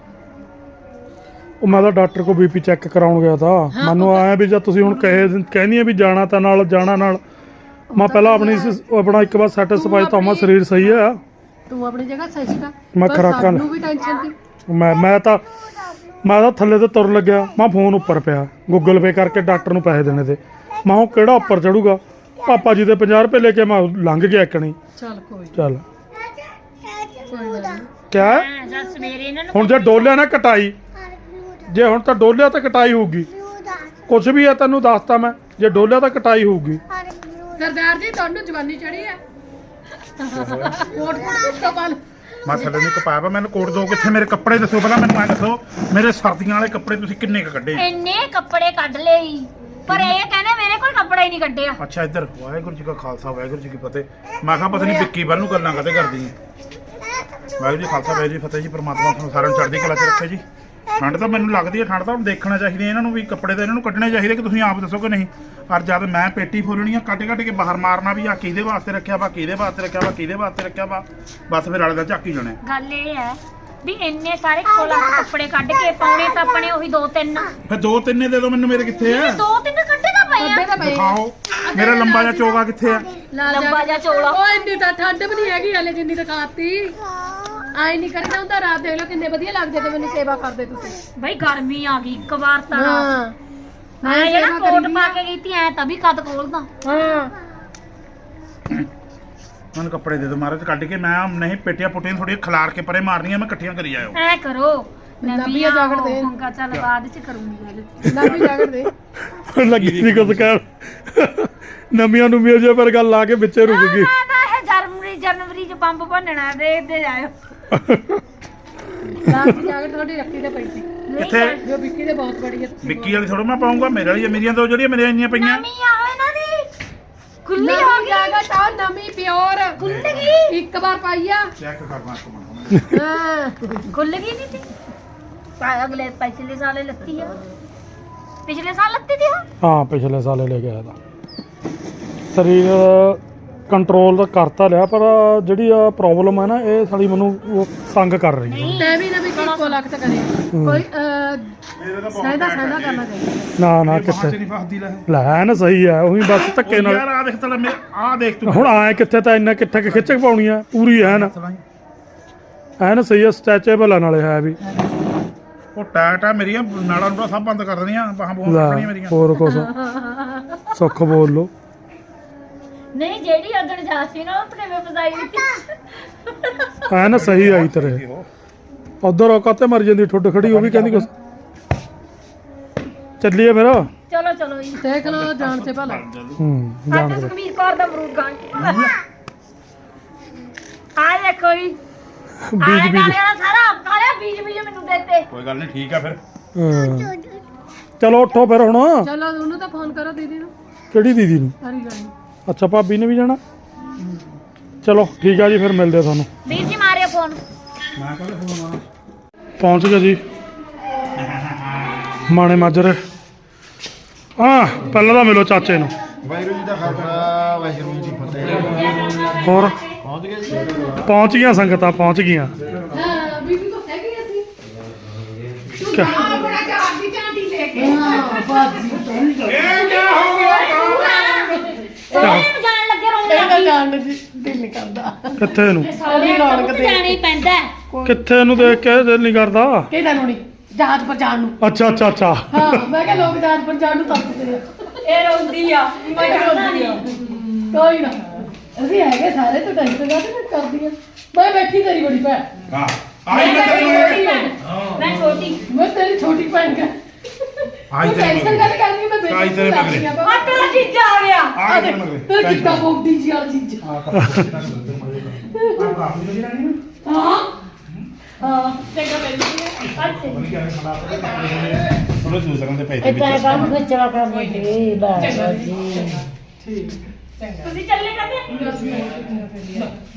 S1: ਉਹ ਮੈਂ ਤਾਂ ਡਾਕਟਰ ਕੋ ਬੀਪੀ ਚੈੱਕ ਕਰਾਉਣ ਗਿਆ ਤਾਂ ਮੈਨੂੰ ਆਇਆ ਵੀ ਜਦ ਤੁਸੀਂ ਹੁਣ ਕਹੇ ਕਹਿੰਦੀ ਆ ਵੀ ਜਾਣਾ ਤਾਂ ਨਾਲ ਜਾਣਾ ਨਾਲ ਮੈਂ ਪਹਿਲਾਂ ਆਪਣੀ ਸ- ਆਪਣਾ ਇੱਕ ਵਾਰ ਸੈਟੀਸਫਾਈ ਤਾਂ ਮੈਂ ਸਰੀਰ ਸਹੀ ਆ
S3: ਤੂੰ ਆਪਣੀ ਜਗ੍ਹਾ ਸਹੀ ਸੀਗਾ
S1: ਮੈਂ
S3: ਪਰ
S1: ਖੁਰਾਕਾਂ-
S3: ਸਾਨੂੰ ਵੀ ਟੈਨਸ਼ਨ ਸੀ
S1: ਮੈਂ ਮੈਂ ਤਾਂ ਮੈਂ ਤਾਂ ਥੱਲੇ ਤੇ ਤੁਰ ਲੱਗਿਆ ਮੈਂ ਫੋਨ ਉੱਪਰ ਪਿਆ ਗੂਗਲ ਪੇ ਕਰਕੇ ਡਾਕਟਰ ਨੂੰ ਪੈਸੇ ਦੇਣੇ ਤੇ ਮੈਂ ਉਹ ਕਿਹੜਾ ਉੱਪਰ ਚੜੂਗਾ ਪਾਪਾ ਜੀ ਦੇ ਪੰਜਾਹ ਰੁਪਏ ਲੈ ਕੇ ਮੈਂ ਲੰਘ ਗਿਆ ਇੱਕਣੀ
S3: ਚੱਲ ਕੋਈ
S1: ਚੱਲ
S3: ਕੋਈ ਗੱਲ ਨਹੀਂ
S1: ਕਿਆ
S2: ਮੈਂ ਜਦ ਸਵੇਰੇ ਇਹਨਾਂ ਨੂੰ
S1: ਹੁਣ ਜੇ ਡੋਲਿਆ ਨਾ ਕਟਾਈ ਜੇ ਹੁਣ ਤਾਂ ਡੋਲਿਆ ਤਾਂ ਕਟਾਈ ਹੋਊਗੀ ਕੁਝ ਵੀ ਹੈ ਤੈਨੂੰ ਦੱਸਤਾ ਮੈਂ ਜੇ ਡੋਲਿਆ ਤਾਂ ਕਟਾਈ ਹੋਊਗੀ
S3: ਸਰਦਾਰ ਜੀ ਤੁਹਾਨੂੰ ਜਵਾਨੀ ਚੜੀ ਹੈ ਕੋਟ ਕੋਟ ਤੋਂ ਬਾਲ
S4: ਮੈਂ ਥੱਲੇ ਨਹੀਂ ਕਪਾਇਆ ਵਾ ਮੈਨੂੰ ਕੋਟ ਦੋ ਕਿੱਥੇ ਮੇਰੇ ਕੱਪੜੇ ਦੱਸੋ ਪਹਿਲਾਂ ਮੈਨੂੰ ਐਂ ਦੱਸੋ ਮੇਰੇ ਸਰਦੀਆਂ ਵਾਲੇ ਕੱਪੜੇ ਤੁਸੀਂ ਕਿੰਨੇ ਕ ਕੱਢੇ
S2: ਇੰਨੇ ਕੱਪੜੇ ਕੱਢ ਲਏ ਈ। ਪਰ ਇਹ ਕਹਿੰਦੇ ਮੇਰੇ ਕੋਲ ਕੱਪੜਾ ਹੀ ਨਹੀਂ ਕੱਢਿਆ
S4: ਅੱਛਾ ਇੱਧਰ ਵਾਹਿਗੁਰੂ ਜੀ ਕਾ ਖਾਲਸਾ ਵਾਹਿਗੁਰੂ ਜੀ ਕੀ ਫਤਿਹ ਮੈਂ ਕਿਹਾ ਪਤਾ ਨਹੀਂ ਵਿੱਕੀ ਵੱਲ ਨੂੰ ਗੱਲਾਂ ਕਦੇ ਕਰਦੀ ਹੈ ਵਾਹਿਗੁਰੂ ਜੀ ਖਾਲਸਾ ਵਾਹਿਗੁਰੂ ਜੀ ਫਤਿਹ ਜੀ ਪ੍ਰਮਾਤਮਾ ਤੁਹਾਨੂੰ ਸਾਰਿਆਂ ਨੂੰ ਚੜ੍ਹਦੀ ਕਲਾ 'ਚ ਰੱਖੇ ਜੀ ਠੰਡ ਤਾਂ ਮੈਨੂੰ ਲੱਗਦੀ ਹੈ ਠੰਡ ਤਾਂ ਹੁਣ ਦੇਖਣਾ ਚਾਹੀਦੀ ਹੈ ਇਹਨਾਂ ਨੂੰ ਵੀ ਕੱਪੜੇ ਤਾਂ ਇਹਨਾਂ ਨੂੰ ਕੱਢਣੇ ਚਾਹੀਦੇ ਕਿ ਤੁਸੀਂ ਆਪ ਦੱਸੋ ਕਿ ਨਹੀਂ ਪਰ ਜਦ ਮੈਂ ਪੇਟੀ ਫੋਲਣੀ ਆ ਕੱਢ ਕੱਢ ਕੇ ਬਾਹਰ ਮਾਰਨਾ ਵੀ ਆ ਕਿਹਦੇ ਵਾਸਤੇ ਰੱਖਿਆ ਵਾ ਕਿਹਦੇ ਵਾਸਤੇ ਰੱਖਿਆ ਵਾ ਕਿਹਦੇ ਵਾਸਤੇ ਰੱਖਿਆ ਵਾ ਬਸ ਫਿਰ ਵਾਲੇ ਦਾ ਝਾਕੀ ਜਾਣਾ
S2: ਗੱਲ ਇਹ ਹੈ ਵੀ ਇੰਨੇ ਸਾਰੇ ਕੋਲਾਂ ਤੋਂ ਕੱਪੜੇ ਕੱਢ ਕੇ ਪਾਉਣੇ ਤਾਂ ਆਪਣੇ ਉਹੀ ਦੋ ਤਿੰਨ
S4: ਫਿਰ ਦੋ ਤਿੰਨੇ ਦੇ ਦਿਓ ਮੈਨੂੰ ਮੇਰੇ ਕਿੱਥੇ ਆ
S2: ਦੋ ਤਿੰਨ ਕੱਢੇ ਤਾਂ ਪਏ
S3: ਅੱਡੇ
S2: ਆ
S3: ਤਾਂ ਪਏ
S4: ਦਿਖਾਓ ਮੇਰਾ ਲੰਬਾ ਜਿਹਾ ਚੋਗਾ ਕਿੱਥੇ ਆ
S2: ਲੰਬਾ ਜਿਹਾ ਚੋਲਾ
S3: ਓਏ ਇੰਨੀ ਤਾਂ ਠੰਡ ਵੀ ਨਹੀਂ ਹੈਗੀ ਹਲੇ ਜਿੰਨੀ ਦਿਖਾਤੀ ਆਈ ਨਹੀਂ ਕਰੀਦਾ ਹੁੰਦਾ ਰਾਤ ਦੇਖ ਲਓ ਕਿੰਨੇ ਵਧੀਆ ਲੱਗਦੇ ਤੇ ਮੈਨੂੰ ਸੇਵਾ ਕਰਦੇ ਤੁਸੀਂ
S2: ਬਈ ਗਰਮੀ ਆ ਗਈ ਇੱਕ ਵਾਰ ਤਾਂ
S3: ਹਾਂ
S2: ਮੈਂ ਜਿਹੜਾ ਕੋਟ ਪਾ ਕੇ ਗਈ ਤੀ ਐ ਤਾਂ ਵੀ ਕਦ ਖੋਲਦਾ
S3: ਹਾਂ
S4: ਮੈਨੂੰ ਕੱਪੜੇ ਦੇ ਦਿਓ ਮਹਾਰਾਜ ਕੱਢ ਕੇ ਮੈਂ ਨਹੀਂ ਪੇਟੀਆਂ ਪੁੱਟੀਆਂ ਥੋੜੀਆਂ ਖਿਲਾਰ ਕੇ ਪਰੇ ਮਾਰਨੀਆਂ ਮੈਂ ਇਕੱਠੀਆਂ ਕਰੀ ਜਾਇਓ
S2: ਐ ਕਰੋ
S3: ਨਵੀਆਂ ਜਾਗੜ ਦੇ।
S2: ਮੰਗਾ ਚੱਲ ਬਾਅਦ ਚ ਕਰੂੰਗੀ
S3: ਨਾ ਵੀ ਜਾਗੜ ਦੇ
S1: ਲੱਗੀ ਨਹੀਂ ਕੁਝ ਕਹਿਣ ਨਵੀਆਂ ਨੂੰ ਮਿਲ ਜੇ ਪਰ ਗੱਲ ਲਾ ਕੇ ਵਿੱਚੇ ਰੁਕ ਗਈ
S2: ਮੈਂ ਤਾਂ ਇਹ ਜਨਵਰੀ ਜਨਵਰੀ ਚ ਬੰਬ ਭੰਨਣਾ ਦੇਖਦੇ ਜਾਇਓ
S3: ਰਾਤ ਦੀ ਜਾਗੜ ਤੁਹਾਡੀ ਰੱਖੀ ਤੇ ਪਈ ਸੀ
S4: ਕਿੱਥੇ
S3: ਜੋ ਵਿੱਕੀ ਦੇ ਬਹੁਤ ਬੜੀ ਹੈ ਤੁਸੀਂ
S4: ਵਿੱਕੀ ਵਾਲੀ ਥੋੜਾ ਮੈਂ ਪਾਉਂਗਾ ਮੇਰੇ ਵਾਲੀ ਮੇਰੀਆਂ ਦੋ ਜਿਹੜੀਆਂ ਮੇਰੀਆਂ ਇੰਨੀਆਂ ਪਈਆਂ
S2: ਨਵੀਂ ਆ ਇਹਨਾਂ ਦੀ ਖੁੱਲੀ ਹੋ
S3: ਨਵੀਂ
S2: ਗਈ
S3: ਜਾਗੜ ਤਾਂ ਨਵੀਂ ਪਿਓਰ
S2: ਖੁੱਲ ਗਈ
S3: ਇੱਕ ਵਾਰ ਪਾਈਆ
S4: ਚੈੱਕ ਕਰਨਾ ਇੱਕ ਮਿੰਟ
S3: ਹਾਂ
S2: ਖੁੱਲ ਗਈ ਨਹੀਂ ਤੀ ਪਾਇਆ ਅਗਲੇ ਪਿਛਲੇ ਸਾਲੇ ਲੱਤੀ ਆ ਪਿਛਲੇ ਸਾਲ ਲੱਤੀ ਤੀ ਉਹ
S1: ਹਾਂ ਪਿਛਲੇ ਸਾਲੇ ਲੈ ਕੇ ਆਇਆ ਤਾਂ ਸਰੀਰ ਕੰਟਰੋਲ ਤਾਂ ਕਰਤਾ ਲਿਆ ਪਰ ਜਿਹੜੀ ਆ ਪ੍ਰੋਬਲਮ ਹੈ ਨਾ ਇਹ ਸਾਡੀ ਮੈਨੂੰ ਉਹ ਤੰਗ ਕਰ ਰਹੀ ਹੈ
S3: ਤੈ ਵੀ ਨਾ ਵੀ ਇੱਕੋ ਲੱਖ ਤਾਂ ਕਰੇ ਕੋਈ
S4: ਮੇਰੇ ਤਾਂ
S3: ਸਹਿਦਾ ਸਹਿਦਾ ਕਰਨਾ ਚਾਹੀਦਾ
S1: ਨਾ ਨਾ
S4: ਕਿੱਥੇ
S1: ਕਿੱਥੇ
S4: ਨਹੀਂ ਫਸਦੀ ਲੈ
S1: ਲੈ ਨਾ ਸਹੀ ਆ ਉਹੀ ਬਸ ਧੱਕੇ ਨਾਲ
S4: ਯਾਰ ਆ ਦੇਖ ਤਲਾ ਮੈਂ ਆ ਦੇਖ ਤੂੰ
S1: ਹੁਣ ਆਏ ਕਿੱਥੇ ਤਾਂ ਇੰਨਾ ਕਿੱਥੇ ਕਿ ਖਿੱਚ ਪਾਉਣੀ ਆ ਪੂਰੀ ਐ ਨਾ ਐ ਨਾ ਸਹੀ ਆ ਸਟੈਚੇਬਲ ਆ ਨਾਲੇ ਹੈ ਵੀ
S4: ਉਹ ਟਾਟ ਆ ਮੇਰੀਆਂ ਨਾੜਾਂ ਨੂੰ ਸਭ ਬੰਦ ਕਰ ਦੇਣੀਆਂ ਬਾਹਾਂ ਬੋਹਾਂ
S1: ਲੈ,
S4: ਕੱਢਣੀਆਂ ਮੇਰੀਆਂ
S1: ਹੋਰ ਕੁਛ ਸੁੱਖ ਬੋਲ ਲੋ
S2: ਨਹੀਂ ਜਿਹੜੀ ਉਦਣ ਜਾ ਸੀ ਨਾ ਆਪਣੇ ਵੇ ਫਸਾਈ ਦਿੱਤੀ
S1: ਐ ਨਾ ਸਹੀ ਆਈ ਤੇਰੇ ਉਧਰ ਉਹ ਕਾਤੇ ਮਰ ਜਾਂਦੀ ਠੁੱਡ ਖੜੀ ਉਹ ਵੀ ਕਹਿੰਦੀ ਕੁਛ ਚੱਲੀਏ ਫਿਰ
S2: ਚਲੋ ਚਲੋ ਜੀ
S3: ਦੇਖ ਲਓ ਜਾਣ ਤੇ ਭਲਾ
S1: ਹੂੰ ਜਾਣ
S2: ਅੱਜ
S1: ਦੇ
S2: ਸੁਖਬੀਰ ਕੌਰ ਦਾ ਅਮਰੂਦ ਖਾਣ ਆ ਦੇਖੋ ਜੀ
S1: ਬੀਜ
S2: ਆਲੇ
S1: ਬੀਜ
S2: ਨਾਲੇ ਵਾਲਾ ਸਾਰਾ ਕਾਲਿਆ ਬੀਜ ਬੀਜ ਮੈਨੂੰ ਦੇਤੇ
S4: ਕੋਈ ਗੱਲ ਨਹੀਂ ਠੀਕ ਆ ਫਿਰ
S1: ਹਾਂ। ਚਲੋ ਉੱਠੋ ਫਿਰ ਹੁਣ
S3: ਚਲੋ ਉਹਨੂੰ ਤਾਂ ਫੋਨ ਕਰੋ ਦੀਦੀ ਨੂੰ
S1: ਕਿਹੜੀ ਦੀਦੀ ਨੂੰ
S3: ਹਰੀ ਗੱਲ
S1: ਅੱਛਾ ਭਾਬੀ ਨੇ ਵੀ ਜਾਣਾ ਚਲੋ ਠੀਕ ਆ ਜੀ ਫਿਰ ਮਿਲਦੇ ਆ ਤੁਹਾਨੂੰ
S2: ਵੀਰ ਜੀ ਮਾਰਿਓ ਫੋਨ
S4: ਮੈਂ ਕਹਿੰਦਾ ਫੋਨ ਆ
S1: ਪਹੁੰਚ ਗਏ ਜੀ ਮਾਣੇ ਮਾਜਰੇ ਹਾਂ ਪਹਿਲਾਂ ਤਾਂ ਮਿਲੋ ਚਾਚੇ ਨੂੰ
S5: ਵਾਹਿਗੁਰੂ ਜੀ ਦਾ ਖਾਲਸਾ ਵਾਹਿਗੁਰੂ ਜੀ ਦੀ ਫਤਿਹ।
S1: ਹੋਰ
S5: ਪਹੁੰਚ ਗਏ ਜੀ।
S1: ਪਹੁੰਚ ਗਈਆਂ ਸੰਗਤਾਂ ਪਹੁੰਚ ਗਈਆਂ
S3: ਹਾਂ ਬੀਬੀ ਕੋ ਹੈਗੀ ਅਸੀਂ
S1: ਕਿਆ-
S3: ਹਾਂ ਬਾਜੀ
S2: ਸੋਹਣੇ ਨੂੰ ਜਾਣ ਲੱਗੇ ਰੋਣ
S3: ਇਹਦਾ
S2: ਲੱਗੀ
S3: ਜਾਣ ਨੂੰ ਜੀ ਦਿਲ ਨਹੀਂ ਕਰਦਾ
S1: ਕਿੱਥੇ ਨੂੰ
S2: ਸੋਹਣੇ ਰੌਣਕ ਤੇ ਜਾਣਾ ਹੀ ਪੈਂਦਾ ਹੈ।
S1: ਕਿੱਥੇ ਨੂੰ ਦੇਖ ਕੇ ਦਿਲ ਨਹੀਂ ਕਰਦਾ
S3: ਕਿਹਦਾ ਨੂੰ ਨਹੀਂ ਜਹਾਜ਼ ਪਰ ਜਾਣ ਨੂੰ
S1: ਅੱਛਾ ਅੱਛਾ ਅੱਛਾ
S3: ਹਾਂ ਮੈਂ ਕਿਹਾ ਲੋਕ ਜਹਾਜ਼ ਪਰ ਜਾਣ ਨੂੰ ਤਰਸਦੇ ਆ
S2: ਇਹ ਰੋਂਦੀ ਆ
S3: ਮੈਂ ਕਿਹਾ ਰੋਂਦੀ ਆ। ਕੋਈ ਨਾ ਅਸੀਂ ਹੈਗੇ ਸਾਰੇ ਤੂੰ ਟੈਨਸ਼ਨ ਨਾ ਤੇ ਕਰਦੀ ਆ ਮੈਂ ਬੈਠੀ ਤੇਰੀ ਬੜੀ ਭੈਣ
S4: ਹਾਂ ਆਈ ਮੈਂ ਤੇਰੀ
S2: ਛੋਟੀ ਭੈਣ। ਮੈਂ ਛੋਟੀ
S3: ਮੈਂ ਤੇਰੀ ਛੋਟੀ ਭੈਣ ਕਾ
S4: ਆਈ ਤੇਰੀ
S3: ਟੈਨਸ਼ਨ
S4: ਮਗਰ
S3: ਕਰ ਕਰਨੀ ਮੈਂ ਬੇਟੀ
S4: ਆਈ ਤੇਰੇ ਮਗਰੇ।
S2: ਆ ਤੇਰਾ ਜੀਜਾ ਆ ਗਿਆ
S4: ਆ ਤੇਰੇ ਮਗਰ
S3: ਤੇਰਾ ਕਿੱਦਾਂ ਬੋਲਦੀ ਜੀ ਆ ਚੀਜ਼ ਹਾਂ ਹਾਂ ਚੰਗਾ ਬੈਠੀ
S4: ਉਹਨੇ ਦੂਸਰਾਂ ਦੇ ਪੈਸੇ
S2: ਇਦਾਂ
S4: ਵਿੱਚ
S2: ਕੰਮ ਖਿੱਚਵਾ ਕਰਨੀ ਸੀ ਬਸ
S3: ਚੰਗਾ
S2: ਜੀ
S3: ਠੀਕ ਚੰਗਾ
S2: ਤੁਸੀਂ ਚੱਲੇ ਕਰਦੇ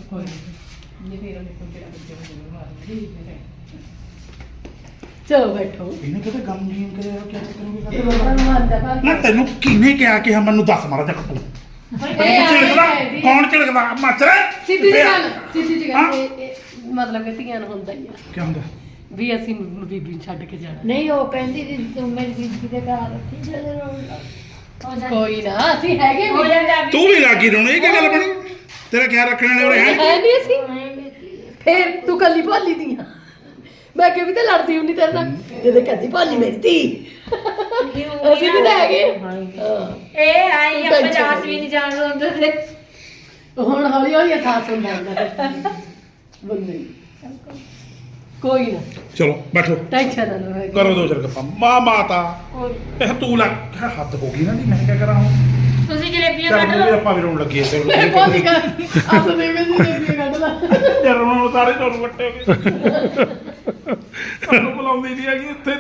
S3: ਚਲੋ ਬੈਠੋ
S4: ਇਹਨੇ ਕਿਤੇ ਗਮ ਜੀਨ ਕਰਿਆ ਕਿਆ ਕਰੂਗੀ
S3: ਇਹ ਭਗਵਾਨ ਦਾ ਭਗਤ।
S4: ਨਾ ਤੈਨੂੰ ਕਿਹਨੇ ਕਿਹਾ ਕਿ ਮੈਨੂੰ ਦੱਸ ਮਾਰਾ ਜੱਕ ਤੂੰ
S3: ਇਹ ਆ
S4: ਝਿੜਕਦਾ
S3: ਇਹ
S4: ਕੌਣ ਝਿੜਕਦਾ ਮੱਛਰ
S3: ਸਿੱਧੀ ਜਿਹੀ ਗੱਲ ਸਿੱਧੀ ਜਿਹੀ
S4: ਹਾਂ।
S3: ਗੱਲ ਇਹ- ਇਹ ਮਤਲਬ ਕਿ ਧੀਆਂ ਨੂੰ ਹੁੰਦਾ ਹੀ ਆ
S4: ਕੀ ਹੁੰਦਾ
S3: ਵੀ ਅਸੀਂ ਬੀਬੀ ਨੂੰ ਛੱਡ ਕੇ ਜਾਣਾ
S2: ਨਹੀਂ ਉਹ ਕਹਿੰਦੀ ਸੀ ਤੂੰ ਮੇਰੀ ਬੀਬੀ ਦੇ ਘਰ ਰੱਖੀ ਜਦੋਂ
S3: ਕੋਈ ਨਾ ਅਸੀਂ ਹੈਗੇ
S2: ਹੋ
S3: ਵੀ
S2: ਜਾਂਦਾ
S4: ਤੂੰ ਵੀ ਲੱਗੀ ਰੋਣ ਇਹ ਕੀ ਗੱਲ ਬਣੀ ਤੇਰਾ ਖਿਆਲ ਰੱਖਣ ਵਾਲੇ ਉਰੇ ਹੈ
S3: ਹੈ ਨਹੀਂ ਅਸੀਂ ਫੇਰ ਤੂੰ ਕੱਲੀ ਭਾਲੀ ਦੀਆਂ ਮੈਂ ਕਿ ਵੀ ਤਾਂ ਲੜਦੀ ਹੁੰਦੀ ਤੇਰੇ ਨਾਲ ਜਦੋਂ ਕਹਿੰਦੀ ਭਾਲੀ ਮੇਰੀ ਧੀ ਅਸੀਂ ਵੀ ਤਾਂ ਹੈਗੇ ਹਾਂ
S2: ਇਹ ਆਈ ਆਪਾਂ ਜਾਸ ਵੀ ਨਹੀਂ ਜਾਣ ਦਿੰਦੇ ਤੇ
S3: ਹੁਣ ਹੌਲੀ ਹੌਲੀ ਅਹਿਸਾਸ ਹੁੰਦਾ ਹੁੰਦਾ ਬੰਦੇ ਨੂੰ। ਕੋਈ ਨਾ
S4: ਚਲੋ ਬੈਠੋ
S3: ਟੈਨਸ਼ਨ ਨਾ ਲਓ
S4: ਕਰੋ ਦੋ ਚਾਰ ਗੱਪਾਂ ਮਾਂ ਮਾਤਾ ਇਹ ਤੂੰ ਲੱਗ ਹੱਦ ਹੋ ਗਈ ਨਾ ਜੀ ਮੈਂ ਕੀ ਕਰਾਂ ਹੁਣ
S2: ਤੁਸੀਂ ਜਲੇਬੀਆਂ
S4: ਚੱਲ
S2: ਕੱਢ
S4: ਮੈਨੂੰ ਵੀ
S2: ਲਓ
S4: ਆਪਾਂ ਵੀ ਰੋਣ ਲੱਗੀ ਐ
S3: ਇਹ ਬਹੁਤ ਹੀ ਗੱਲ ਆਪ ਦੇ ਵਿੱਚ ਦੇ ਕੱਢ ਲਾ
S4: ਯਾਰ ਉਹਨਾਂ ਨੂੰ ਸਾਰੇ ਤੁਹਾਨੂੰ ਵੱਟੇ ਹੋ ਗਏ ਸਾਨੂੰ ਬੁਲਾਉਂਦੀ ਨਹੀਂ ਹੈਗੀ ਇੱਥੇ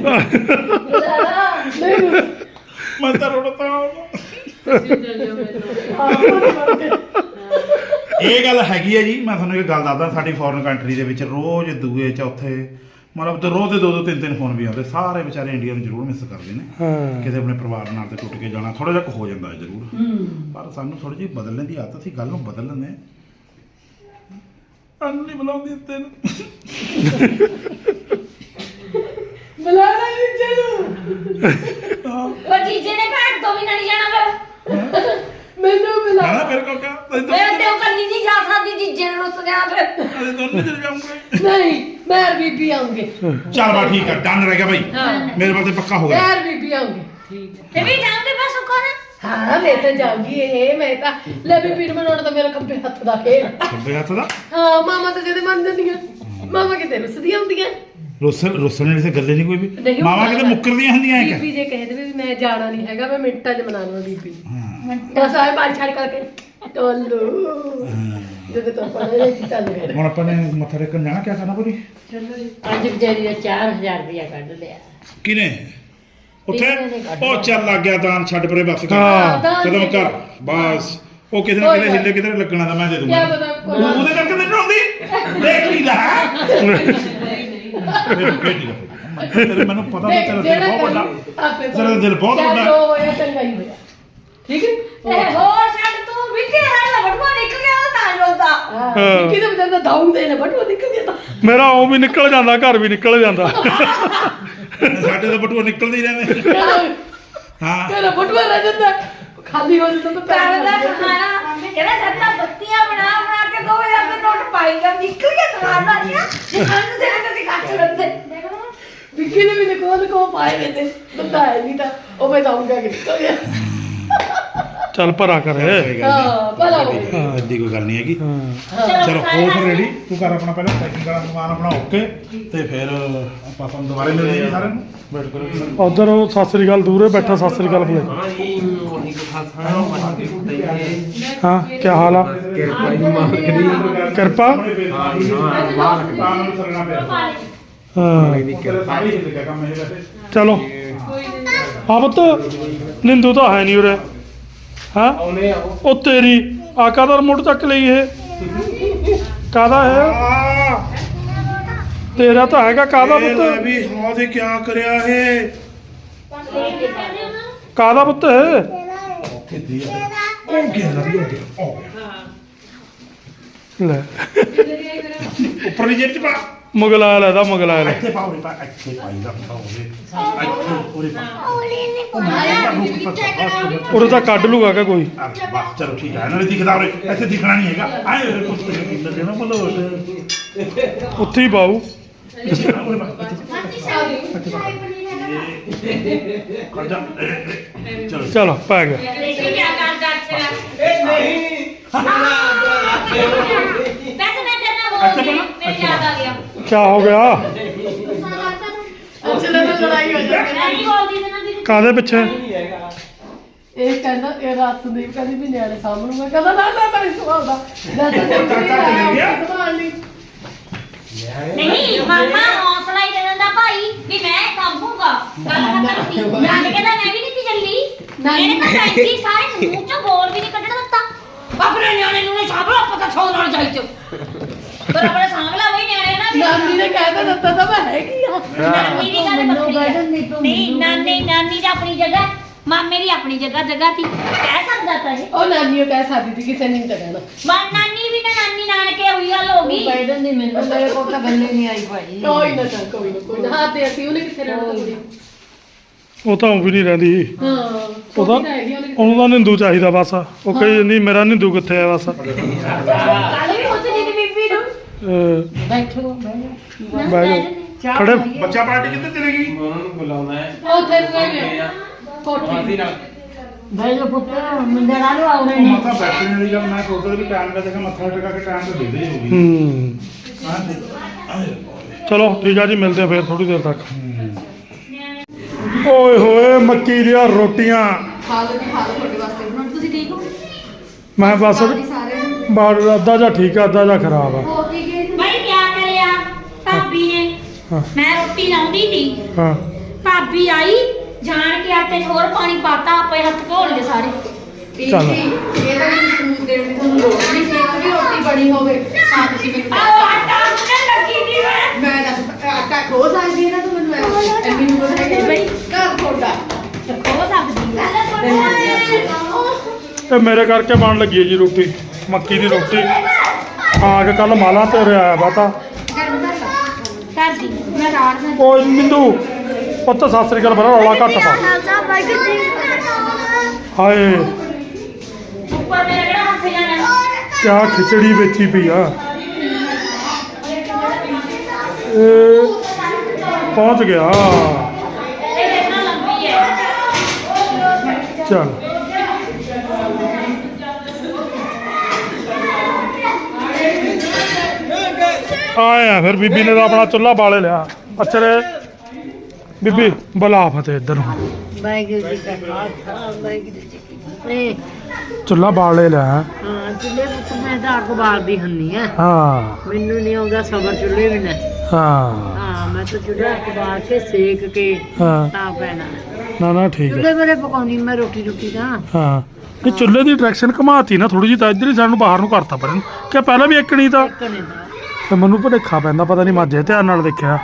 S3: ਨਹੀਂ
S4: ਮੈਂ ਤਾਂ ਰੋਣਤਾ ਇਹ ਗੱਲ ਹੈਗੀ ਹੈ ਜੀ ਮੈਂ ਤੁਹਾਨੂੰ ਇੱਕ ਗੱਲ ਦੱਸਦਾ ਸਾਡੀ ਫੋਰਨ ਕੰਟਰੀ ਦੇ ਵਿੱਚ ਰੋਜ਼ ਦੂਏ ਚੌਥੇ ਮਤਲਬ ਤੇ ਰੋਜ਼ ਦੇ ਦੋ ਦੋ ਤਿੰਨ ਤਿੰਨ ਫੋਨ ਵੀ ਆਉਂਦੇ ਸਾਰੇ ਵਿਚਾਰੇ ਇੰਡੀਆ ਨੂੰ ਜ਼ਰੂਰ ਮਿਸ ਕਰਦੇ ਨੇ
S1: ਹਾਂ
S4: ਕਿਤੇ ਆਪਣੇ ਪਰਿਵਾਰ ਨਾਲ ਤੇ ਟੁੱਟ ਕੇ ਜਾਣਾ ਥੋੜਾ ਜਿਹਾ ਕੁ ਹੋ ਜਾਂਦਾ ਹੈ ਜ਼ਰੂਰ ਪਰ ਸਾਨੂੰ ਥੋੜੀ ਜਿਹੀ ਬਦਲਣ ਦੀ ਆਦਤ ਸੀ ਗੱਲ ਨੂੰ ਬਦਲ ਲੈਂਦੇ ਹਾਂ ਅੰਨੀ ਬੁਲਾਉਂਦੀ ਤੈਨੂੰ
S3: ਬੁਲਾ ਲੈ ਨੀਚੇ ਨੂੰ
S2: ਉਹ ਜੀਜੇ ਨੇ ਘਰ ਤੋਂ ਵੀ ਨਹੀਂ ਜਾਣਾ ਫਿਰ
S3: ਮੈਨੂੰ ਬੁਲਾ
S4: ਨਾ ਫਿਰ ਕੋ ਕਾ
S2: ਮੈਂ ਤੇ ਉਹ ਕੱਲੀ ਨਹੀਂ ਜਾ ਸਕਦੀ ਜੀਜੇ ਨੂੰ ਰੁੱਸ ਗਿਆ ਫਿਰ
S4: ਅਸੀਂ ਦੋਨੋਂ ਚਲੇ ਜਾਵਾਂਗੇ
S3: ਨਹੀਂ ਮੈਂ ਬੀਬੀ ਆਉਂਗੇ
S4: ਚੱਲ ਬਾ ਠੀਕ ਹੈ ਡਨ ਰਹਿ ਗਿਆ ਭਾਈ ਮੇਰੇ ਪਾਸੇ ਪੱਕਾ ਹੋ ਗਿਆ
S3: ਮੈਂ ਬੀਬੀ ਆਉਂਗੇ ਠੀਕ ਹੈ
S2: ਤੇ ਵੀ ਜਾਉਂਗੇ ਬਸ ਸੁੱਖੋ ਨਾ
S3: ਹਾਂ ਮੈਂ ਤਾਂ ਜਾਊਂਗੀ ਇਹ ਮੈਂ ਤਾਂ ਲੈ ਬੀਬੀ ਨੂੰ ਬਣਾਉਣਾ ਤਾਂ ਮੇਰਾ ਖੱਬੇ ਹੱਥ ਦਾ ਖੇਲ
S4: ਖੱਬੇ ਹੱਥ ਦਾ
S3: ਹਾਂ ਮਾਮਾ ਤਾਂ ਜਿਹਦੇ ਮੰਨ ਜਾਂਦੀਆਂ ਮਾਮਾ ਕਿਤੇ ਰੁੱਸਦੀਆਂ ਹੁੰਦੀਆਂ
S4: ਰੁੱਸਣ ਰੁੱਸਣ ਵਾਲੀ ਤੇ ਗੱਲੇ ਨਹੀਂ ਕੋਈ ਵੀ
S3: ਨਹੀਂ
S4: ਮਾਵਾ ਕਿਤੇ ਮੁੱਕਰਦੀਆਂ ਹੁੰਦੀਆਂ ਐ
S3: ਬੀਬੀ ਜੇ ਕਹਿ ਦੇਵੇ ਵੀ ਮੈਂ ਜਾਣਾ ਨਹੀਂ ਹੈਗਾ ਮੈਂ ਮਿੰਟਾਂ 'ਚ ਮਨਾ ਲਵਾਂ ਬੀਬੀ
S4: ਹਾਂ
S3: ਬਸ ਆਏ ਬਾਲ ਛੱਡ ਕਰਕੇ ਟੋਲੂ ਜਦੋਂ ਤੋਂ ਪੜੇ ਚੱਲ ਗਏ
S4: ਹੁਣ ਆਪਾਂ ਨੇ ਮੱਥਾ ਟੇਕਣ ਜਾਣਾ ਕੀ ਕਰਨਾ ਪੂਰੀ
S3: ਚਲੋ ਜੀ
S2: ਅੱਜ ਵਿਚਾਰੀ ਦਾ ਚਾਰ ਹਜ਼ਾਰ ਰੁਪਇਆ ਕੱਢ ਲਿਆ
S4: ਕਿਨੇ ਉੱਥੇ ਉਹ ਚੱਲ ਲੱਗ ਗਿਆ ਦਾਨ ਛੱਡ ਪਰੇ ਬਸ ਕਰ
S1: ਹਾਂ,
S3: ਦਾਨ
S4: ਕਦਮ
S3: ਦੇ
S4: ਕਰ ਬਸ ਉਹ ਕਿਤੇ ਨਾ ਕਿਤੇ ਹਿੱਲੇ ਕਿਤੇ ਲੱਗਣਾ ਤਾਂ ਮੈਂ ਦੇ ਦੂੰਗਾ
S3: ਕਿਆ ਪਤਾ ਕੋਈ-
S4: ਉਹ- ਉਹਦੇ ਕਰਕੇ ਮੈਨੂੰ ਆਉਂਦੀ ਦੇਖ ਲਈ ਲੈ ਤੇਰੇ ਮੈਨੂੰ ਪਤਾ ਤਾਂ ਤੇਰਾ ਦਿਲ ਬਹੁਤ ਵੱਡਾ
S3: ਆਪੇ
S4: ਤੇਰਾ ਦਿਲ ਬਹੁਤ
S3: ਕਿਆ
S4: ਵੱਡਾ।
S3: ਜੋ ਹੋਇਆ ਚੰਗਾ ਹੀ ਹੋਇਆ ਠੀਕ ਹੈ
S2: ਇਹ ਹੋਰ ਛੱਡ ਤੂੰ ਵਿੱਕੀ ਨਾਲ ਬਟੂਆ ਨਿਕਲ ਗਿਆ ਉਹ ਤਾਂ ਰੋਂਦਾ
S3: ਹਾਂ ਵਿੱਕੀ ਦੇ ਵਿਚਾਰ ਦਾ ਦਾਉਂ ਦੇ ਨੇ ਬਟੂਆ ਨਿਕਲ ਗਿਆ ਤਾਂ
S1: ਮੇਰਾ ਉਹ ਵੀ ਨਿਕਲ ਜਾਂਦਾ ਘਰ ਵੀ ਨਿਕਲ ਜਾਂਦਾ
S4: ਸਾਡੇ ਤਾਂ ਬਟੂਆ ਨਿਕਲਦੇ ਹੀ ਰਹਿੰਦੇ ਹਾਂ
S3: ਤੇਰਾ ਬਟੂਆ ਰਹਿ ਜਾਂਦਾ ਖਾਲੀ ਹੋ ਜਾਂਦਾ ਤਾਂ
S2: ਘਰ ਦਾ ਖਾਣਾ ਕਹਿੰਦਾ ਸੱਤਾ ਬੱਤੀਆਂ ਬਣਾ ਬਣਾ ਕੇ ਦੋ ਹਜ਼ਾਰ ਦੇ ਨੋਟ ਪਾਈ ਜਾ ਨਿਕਲ ਗਿਆ ਤੁਹਾਡਾ ਨਹੀਂ ਜੇ ਸਾਨੂੰ ਦੇ ਕੇ ਕੱਟ ਲੈਂਦੇ
S3: ਵਿੱਕੀ ਨੇ ਵੀ ਕੋਲ ਕੋ ਪਾਏ ਵੇ ਤੇ ਬੰਦਾ ਹੈ ਨਹੀਂ ਤਾਂ ਉਹ ਮੈਂ ਦਾਉਂਗਾ ਕਿ ਨਿਕਲ ਗਿਆ
S1: ਚੱਲ ਭਰਾ ਕਰੇ
S3: ਹਾਂ ਭਲਾ ਹੋ ਗਿਆ
S4: ਹਾਂ ਐਡੀ ਕੋਈ ਗੱਲ ਨਹੀਂ ਹੈਗੀ
S1: ਹਾਂ
S4: ਚਲੋ ਹੋ ਫਿਰ ਰੈਡੀ ਤੂੰ ਕਰ ਆਪਣਾ ਪਹਿਲਾਂ ਪੈਕਿੰਗ ਵਾਲਾ ਸਮਾਨ ਆਪਣਾ ਓਕੇ ਤੇ ਫਿਰ ਆਪਾਂ ਤੁਹਾਨੂੰ ਦੁਬਾਰਾ ਮਿਲਦੇ ਹਾਂ ਸਾਰਿਆਂ ਨੂੰ ਵੇਟ ਕਰੋ
S1: ਉਧਰ ਉਹ ਸਤਿ ਸ੍ਰੀ ਅਕਾਲ ਦੂਰੇ ਬੈਠਾ ਸਤਿ ਸ੍ਰੀ ਅਕਾਲ ਬੁਲਾਈ ਹਾਂ ਕੀ ਹਾਲ ਆ ਕਿਰਪਾ ਹਾਂ ਚਲੋ ਹਾਂ ਪੁੱਤ ਨਿੰਦੂ ਤਾਂ ਹੈ ਨਹੀਂ ਉਰੇ ਹਾਂ ਉਹ ਤੇਰੀ ਆ ਕਾਹਦਾ ਰਿਮੋਟ ਚੱਕ ਲਈ ਇਹ ਕਾਹਦਾ ਹੈ ਤੇਰਾ ਤਾਂ ਹੈਗਾ ਕਾਹਦਾ ਪੁੱਤ
S4: ਵੀ ਹਾਂ ਦੇ ਕੀ ਕਰਿਆ ਇਹ
S1: ਕਾਹਦਾ ਪੁੱਤ ਹੈ
S4: ਕਿੱਦੀ ਆ ਉਹ ਕੀ ਲੱਗੀ ਹੁੰਦੀ
S1: ਲੈ
S4: ਉੱਪਰ ਨਹੀਂ ਜੇਬ ਚ ਪਾ
S1: ਮੁਗਲਾ ਲੈਦਾ ਮੁਗਲਾ ਲੈ
S4: ਇੱਥੇ ਪਾਓ ਰੇ ਪਾ ਇੱਥੇ ਪਾਈ ਦਾ ਪਾਓਗੇ ਇੱਥੇ ਪੂਰੀ ਪਾ
S1: ਉਰੇ ਤਾਂ ਕੱਢ ਲੂਗਾ ਕਿ ਕੋਈ
S4: ਬਸ ਚਲੋ ਠੀਕ ਹੈ ਨਾਲੇ ਦਿਖਦਾ ਉਰੇ ਇੱਥੇ ਦਿਖਣਾ ਨਹੀਂ ਹੈਗਾ ਆਏ ਉਰੇ ਕੁੱਤੇ ਕਿੰਨਾ ਦੇਣਾ ਮਤਲਬ
S1: ਉੱਥੇ ਹੀ ਪਾਉ
S4: ਚਲੋ
S1: ਚਲੋ ਪੈ ਗਿਆ
S2: ਦੇਖੀ ਕੀ ਕਰਦਾ ਅੱਛਾ ਵੈਸੇ ਮੈਂ ਤੇਰੇ ਨਾਲ ਬੋਲਦੀ ਮੇਰੇ ਯਾਦ ਆ ਗਿਆ
S1: ਕੀ ਹੋ ਗਿਆ
S3: ਚਲੋ ਤਾਂ ਲੜਾਈ ਹੋ ਜਾਏ
S2: ਮੈਂ ਨਹੀਂ ਬੋਲਦੀ ਤੇ ਨਾ ਵੀ
S1: ਕਾਹਦੇ ਪਿੱਛੇ
S3: ਇਹ ਕਹਿੰਦਾ ਇਹ ਰਾਤ ਸੰਦੀਪ ਕਹਿੰਦੀ ਵੀ ਨਿਆਣੇ ਸਾਹਮਣੂਗਾ ਕਹਿੰਦਾ ਨਾ ਨਾ ਤਾਂ ਇਸ ਸਵਾਲ ਦਾ ਮੈਂ ਤਾਂ ਸੰਭਾਲ ਲਈ
S2: ਨਹੀਂ ਮਾਮਾ ਹੌਸਲਾ ਹੀ ਦੇ ਦਿੰਦਾ ਭਾਈ ਵੀ ਮੈਂ ਸੰਭੂਗਾ ਗੱਲ ਖਤਮ ਸੀ ਨਾਲੇ ਕਹਿੰਦਾ ਮੈਂ ਵੀ ਨਹੀਂ ਸੀ ਚੱਲੀ ਇਹਨੇ ਤਾਂ ਪੈਂਤੀ ਸਾਰੇ ਮੂੰਹ ਚੋਂ ਬੋਲ ਵੀ ਨਹੀਂ ਕੱਢਣ ਦਿੱਤਾ ਆਪਣੇ ਨਿਆਣੇ ਨੂੰ ਨੇ ਸਾਂਭਲਾ ਪਤਾ ਛੋੜ ਨਾਲ ਜਾਈ ਚ ਪਰ ਆਪਣੇ ਸਾਂਭਲਾ ਬਈ ਨਿਆਣੇ ਨਾ ਵੀ
S3: ਨਾਨੀ ਨੇ ਕਹਿ ਤਾਂ ਦਿੱਤਾ ਤਾਂ ਮੈਂ ਹੈਗੀ ਆ
S2: ਨਾਨੀ ਦੀ ਗੱਲ ਵੱਖਰੀ ਆ ਨਹੀਂ ਨਾਨੀ ਨਾਨੀ ਦੀ ਆਪਣੀ ਜਗ੍ਹਾ ਮਾਮੇ ਦੀ ਆਪਣੀ ਜਗ੍ਹਾ ਜਗ੍ਹਾ ਸੀ ਕਹਿ ਸਕਦਾ ਤਾਂ ਇਹ
S3: ਉਹ ਨਾਨੀ ਉਹ ਕਹਿ ਸਕਦੀ ਸੀ ਕਿਸੇ ਨੇ ਨਹੀਂ ਤਾਂ ਕਹਿਣਾ
S2: ਮਾ ਨਾਨੀ ਵੀ ਨਾ ਨਾਨੀ ਨਾਨਕੇ ਹੋਈ ਗੱਲ ਹੋ ਗਈ
S6: ਬੈਠਣ ਦੀ ਮੈਨੂੰ ਮੇਰੇ ਕੋਲ ਤਾਂ ਗੱਲੇ ਨਹੀਂ ਆਈ ਭਾਈ
S3: ਕੋਈ ਨਾ ਚੱਲ ਕੋਈ ਨਾ ਕੋਈ ਨਾ ਹਾਂ ਤੇ ਅਸੀਂ ਉਹਨੇ ਕਿੱਥੇ ਰਹਿਣਾ ਤਾਂ ਕੁੜੀ
S1: ਉਹ ਤਾਂ ਉਹ ਵੀ ਨਹੀਂ ਰਹਿੰਦੀ
S3: ਹਾਂ
S1: ਉਹਦਾ
S3: ਛੋਟੀ ਤਾਂ ਹੈਗੀ ਉਹਨੇ ਕਿੱਥੇ
S1: ਉਹਨੂੰ ਤਾਂ ਨਿੰਦੂ ਚਾਹੀਦਾ ਬਸ ਉਹ ਕਹੀ ਜਾਂਦੀ ਮੇਰਾ ਨਿੰਦੂ ਕਿੱਥੇ ਆ ਬਸ
S2: ਕੱਲ ਵੀ ਉੱਥੇ ਦੀ ਬੀਬੀ ਨੂੰ
S1: ਅਹ,
S6: ਬੈਠੋ ਬੈਠੋ
S1: ਬਹਿ ਜਾ ਖੜੇ
S4: ਬੱਚਾ ਪਾਰਟੀ ਕਿੱਥੇ ਚਲੇ ਗਈ
S3: ਉਹ ਉੱਥੇ ਨੂੰ ਗਏ ਨੇ ਕੋਠੀ
S6: ਬੈਠੋ ਪੁੱਤ ਮੁੰਡੇ ਨਾਲ ਆਉ
S4: ਉਹ
S6: ਰਹੇ ਨੇ
S4: ਮੱਥਾ ਬੈਠਣ ਵਾਲੀ ਗੱਲ ਮੈਂ ਸੋਚਦਾ ਵੀ ਟਾਈਮ ਦਾ ਦੇਖਾ ਮੱਥਾ ਟਿਕਾ ਕੇ ਟਾਈਮ ਤੇ ਦੇ ਦੇ ਹੋਗੀ
S1: ਹੂੰ
S4: ਹਾਂ ਤੇ
S1: ਚਲੋ ਠੀਕ ਆ ਜੀ ਮਿਲਦੇ ਆ ਫੇਰ ਥੋੜੀ ਦੇਰ ਤੱਕ ਓਏ ਹੋਏ ਮੱਕੀ ਦੀਆਂ ਰੋਟੀਆਂ
S3: ਖਾ ਲਓ ਜੀ ਖਾ ਲਓ ਤੁਹਾਡੇ ਵਾਸਤੇ ਹੁਣ ਤੁਸੀਂ ਠੀਕ ਹੋ
S1: ਮੈਂ ਬਸ ਬਾੜ ਅੱਧਾ ਜਾਂ ਠੀਕ ਆ ਅੱਧਾ ਜਾਂ ਖਰਾਬ ਆ
S3: ਹੋ ਕੀ ਗਏ
S2: ਭਾਈ ਕੀ ਕਰਿਆ ਭਾਬੀ ਨੇ
S1: ਹਾਂ
S2: ਮੈਂ ਰੋਟੀ ਲਾਉਂਦੀ ਸੀ
S1: ਹਾਂ
S2: ਭਾਬੀ ਆਈ ਜਾਣ ਕੇ ਆਟੇ 'ਚ ਹੋਰ ਪਾਣੀ ਪਾਤਾ ਆਪੇ ਹੱਥ ਧੋਲ ਲਏ ਸਾਰੇ
S1: ਚੱਲ
S3: ਇਹ ਤਾਂ ਮੈਨੂੰ ਸੂਟ ਦੇਣ ਦੀ ਤੁਹਾਨੂੰ ਲੋੜ ਨਹੀਂ ਸੀ ਕਿ ਰੋਟੀ ਬਣੀ ਹੋਵੇ ਹਾਂ ਤੁਸੀਂ ਮੈਨੂੰ
S2: ਆਹ ਆਟਾ ਮੁੰਨੇ ਲੱਗੀ ਦੀ ਮੈਂ
S3: ਮੈਂ ਦੱਸ ਆਟਾ ਖੋ ਸਕਦੀ ਹੈ ਨਾ ਤੂੰ ਮੈਨੂੰ ਐ ਮੈਨੂੰ ਪਤਾ ਹੈ ਕਿ ਬਈ ਘਰ ਤੁਹਾਡਾ
S2: ਹੋ ਸਕਦੀ ਹੈ
S1: ਇਹ ਮੇਰੇ ਕਰਕੇ ਬਣ ਲੱਗੀ ਹੈ ਜੀ ਰੋਟੀ ਮੱਕੀ ਦੀ ਰੋਟੀ ਆ ਕੇ ਕੱਲ ਮਾਲਾ ਤੇ ਰਿਹਾ ਵਾ ਤਾਂ
S2: ਕਰ ਦੀ ਮੈਂ ਰਾੜ ਦਾ
S1: ਓਏ ਮਿੰਦੂ ਪੁੱਤ ਸਤਿ ਸ੍ਰੀ ਅਕਾਲ ਬੜਾ ਰੌਲਾ ਘੱਟ ਪਾ ਹਾਏ
S2: ਉੱਪਰ ਮੇਰੇ ਕਿਹੜਾ ਹੱਥ ਜਾਣਾ
S1: ਕਿਆ ਖਿਚੜੀ ਵੇਚੀ ਪਈ ਆ ਇਹ ਪਹੁੰਚ ਗਿਆ
S2: ਇਹ ਦੇਖਣਾ ਲੰਬੀ ਹੈ
S1: ਚੱਲ ਆਇਆ ਫਿਰ ਬੀਬੀ ਨੇ ਤਾਂ ਆਪਣਾ ਚੁੱਲ੍ਹਾ ਬਾਲੇ ਲਿਆ ਅਚਰੇ ਬੀਬੀ ਬੁਲਾ ਫਤਿਹ ਇੱਧਰ ਨੂੰ
S6: ਵਾਹਿਗੁਰੂ ਜੀ ਕਾ ਖਾਲਸਾ ਵਾਹਿਗੁਰੂ ਜੀ ਕੀ ਫਤਿਹ
S1: ਚੁੱਲ੍ਹਾ ਬਾਲੇ ਲਿਆ
S6: ਹਾਂ ਚੁੱਲ੍ਹੇ ਪੁੱਤ ਮੈਂ ਤਾਂ ਅੱਗ ਬਾਲਦੀ ਹੁੰਨੀ ਆ
S1: ਹਾਂ
S6: ਮੈਨੂੰ ਨਹੀਂ ਆਉਂਦਾ ਸਬਰ ਚੁੱਲ੍ਹੇ ਵੀ ਨਾ
S1: ਹਾਂ
S6: ਹਾਂ ਮੈਂ ਤਾਂ ਚੁੱਲ੍ਹਾ ਅੱਗ ਬਾਲ ਕੇ ਸੇਕ ਕੇ
S1: ਹਾਂ
S6: ਤਾਂ ਪੈਣਾ
S1: ਨਾ ਨਾ ਠੀਕ ਹੈ
S6: ਚੁੱਲ੍ਹੇ ਬਰੇ ਪਕਾਉਣੀ ਮੈਂ ਰੋਟੀ ਰੋਟੀ ਤਾਂ
S1: ਹਾਂ ਇਹ ਚੁੱਲ੍ਹੇ ਦੀ ਡਾਇਰੈਕਸ਼ਨ ਘਮਾਤੀ ਨਾ ਥੋੜੀ ਜਿਹੀ ਤਾਂ ਇੱਧਰ ਹੀ ਸਾਨੂੰ ਬਾਹਰ ਨੂੰ ਕਰਤਾ ਪਰ ਕਿ ਪਹਿਲਾਂ ਵੀ ਇੱਕ ਨਹੀਂ ਤਾਂ
S6: ਇੱਕਣੇ ਦਾ
S1: ਤੇ ਮੈਨੂੰ ਭੁਲੇਖਾ ਪੈਂਦਾ ਪਤਾ ਨਹੀਂ ਮਾਝੇ ਧਿਆਨ ਨਾਲ ਦੇਖਿਆ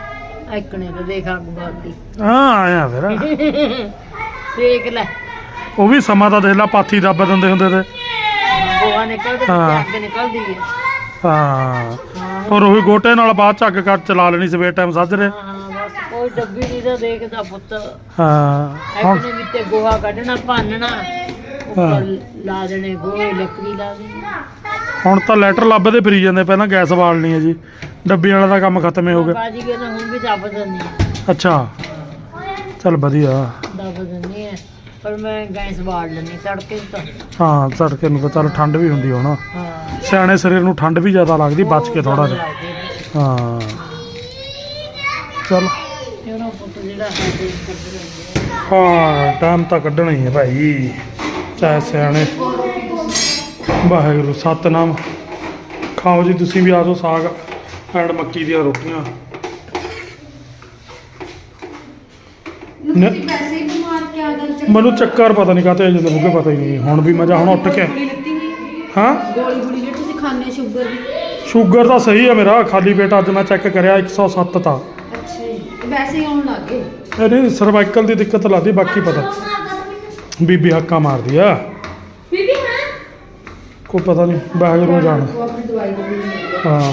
S6: ਇੱਕਣੇ ਦਾ ਦੇਖ ਅੱਗ ਬਾਲਦੀ
S1: ਹਾਂ ਆਇਆ ਫਿਰ
S6: ਸੇਕ ਲੈ
S1: ਉਹ ਵੀ ਸਮਾਂ ਤਾਂ ਦੇਖ ਲਾ ਪਾਥੀ ਦੱਬ ਦਿੰਦੇ ਹੁੰਦੇ ਤੇ
S6: ਗੋਹਾ ਨਿਕਲਦੇ
S1: ਹਾਂ।
S6: ਅੱਗ ਨਿਕਲਦੀ ਹੈ
S1: ਹਾਂ ਔਰ ਉਹੀ ਗੋਟੇ ਨਾਲ ਬਾਅਦ ਚ ਅੱਗ ਕੱਟ ਚਲਾ ਲੈਣੀ ਸਵੇਰ ਟਾਈਮ ਸਾਜਰੇ
S6: ਹਾਂ ਬਸ ਕੋਈ ਡੱਬੀ ਨਹੀਂ ਤਾਂ ਦੇਖਦਾ ਪੁੱਤ
S1: ਹਾਂ ਹੁਣ
S6: ਐਕਨੇ ਵਿੱਚ ਗੋਹਾ ਕੱਢਣਾ ਭੰਨਣਾ ਉੱਪਰ ਲਾ ਦੇਣੇ ਗੋਹੇ ਲੱਕੜੀ ਲਾ ਦੇਣੀ
S1: ਹੁਣ ਤਾਂ ਲੈਟਰ ਲੱਭਦੇ ਫਿਰੀ ਜਾਂਦੇ ਪਹਿਲਾਂ ਗੈਸ ਬਾਲਣੀ ਹੈ ਜੀ ਡੱਬੀ ਵਾਲਾ ਦਾ ਕੰਮ ਖਤਮ ਹੀ ਹੋ ਗਿਆ
S6: ਬਾਜੀ ਕੇ ਨਾ ਹੁਣ ਵੀ ਦੱਬ ਦਿੰਦੀ ਹੈ
S1: ਅੱਛਾ ਚੱਲ ਵਧੀਆ
S6: ਦੱਬ ਦਿੰਦੀ ਹੈ ਪਰ ਮੈਂ ਗੈਸ ਬਾੜ ਲੈਂਦੀ ਤੜਕੇ ਤਾਂ
S1: ਹਾਂ ਤੜਕੇ ਨੂੰ ਤਾਂ ਚੱਲ ਠੰਡ ਵੀ ਹੁੰਦੀ ਹੁਣ
S6: ਹਾਂ
S1: ਸਿਆਣੇ ਸਰੀਰ ਨੂੰ ਠੰਡ ਵੀ ਜ਼ਿਆਦਾ ਲੱਗਦੀ ਬਚ ਕੇ ਥੋੜਾ ਜਿਹਾ
S6: ਲੱਗਦੇ ਨੇ।
S1: ਹਾਂ ਚੱਲ
S6: ਤੇ ਉਹਨਾਂ ਪੁੱਤ ਜਿਹੜਾ ਹੈ ਤੇ ਕਰਦੇ ਰਹਿੰਦੇ ਆ।
S1: ਹਾਂ ਟਾਈਮ ਤਾਂ ਕੱਢਣਾ ਹੀ ਹੈ ਭਾਈ ਚਾਹੇ ਸਿਆਣੇ ਵਾਹਿਗੁਰੂ ਸਤਨਾਮ ਖਾਓ ਜੀ ਤੁਸੀਂ ਵੀ ਆ ਜਾਓ ਸਾਗ ਐਂਡ ਮੱਕੀ ਦੀਆਂ ਰੋਟੀਆਂ ਨ- ਮੈਨੂੰ ਚੱਕਰ ਪਤਾ ਨਹੀਂ ਕਾਤੇ ਜਦੋਂ ਮੁੱਗੇ ਪਤਾ ਹੀ ਨਹੀਂ ਹੁਣ ਵੀ ਮਜ਼ਾ ਹੁਣ ਉੱਠ ਕੇ ਹਾਂ
S3: ਗੋਲੀ ਗੋਲੀ ਜਿਹੜੀ ਤੁਸੀਂ ਖਾਂਦੇ ਸ਼ੂਗਰ ਦੀ
S1: ਸ਼ੂਗਰ ਤਾਂ ਸਹੀ ਹੈ ਮੇਰਾ ਖਾਲੀ ਪੇਟ ਅੱਜ ਮੈਂ ਚੈੱਕ ਕਰਿਆ ਇੱਕ ਸੌ ਸੱਤ ਤਾਂ
S3: ਅੱਛਾ ਜੀ ਵੈਸੇ ਹੀ ਆਉਣ ਲੱਗ ਗਏ
S1: ਇਹ ਨਹੀਂ ਸਰਵਾਈਕਲ ਦੀ ਦਿੱਕਤ ਲੱਗਦੀ ਬਾਕੀ ਪਤਾ ਬੀਬੀ ਹੱਕਾ ਮਾਰਦੀ ਆ
S2: ਬੀਬੀ ਹਾਂ
S1: ਕੋਈ ਪਤਾ ਨਹੀਂ ਵਾਹਿਗੁਰੂ ਨੂੰ ਜਾਣ
S3: ਉਹ ਆਪਣੀ ਦਵਾਈ ਦੇ
S1: ਹਾਂ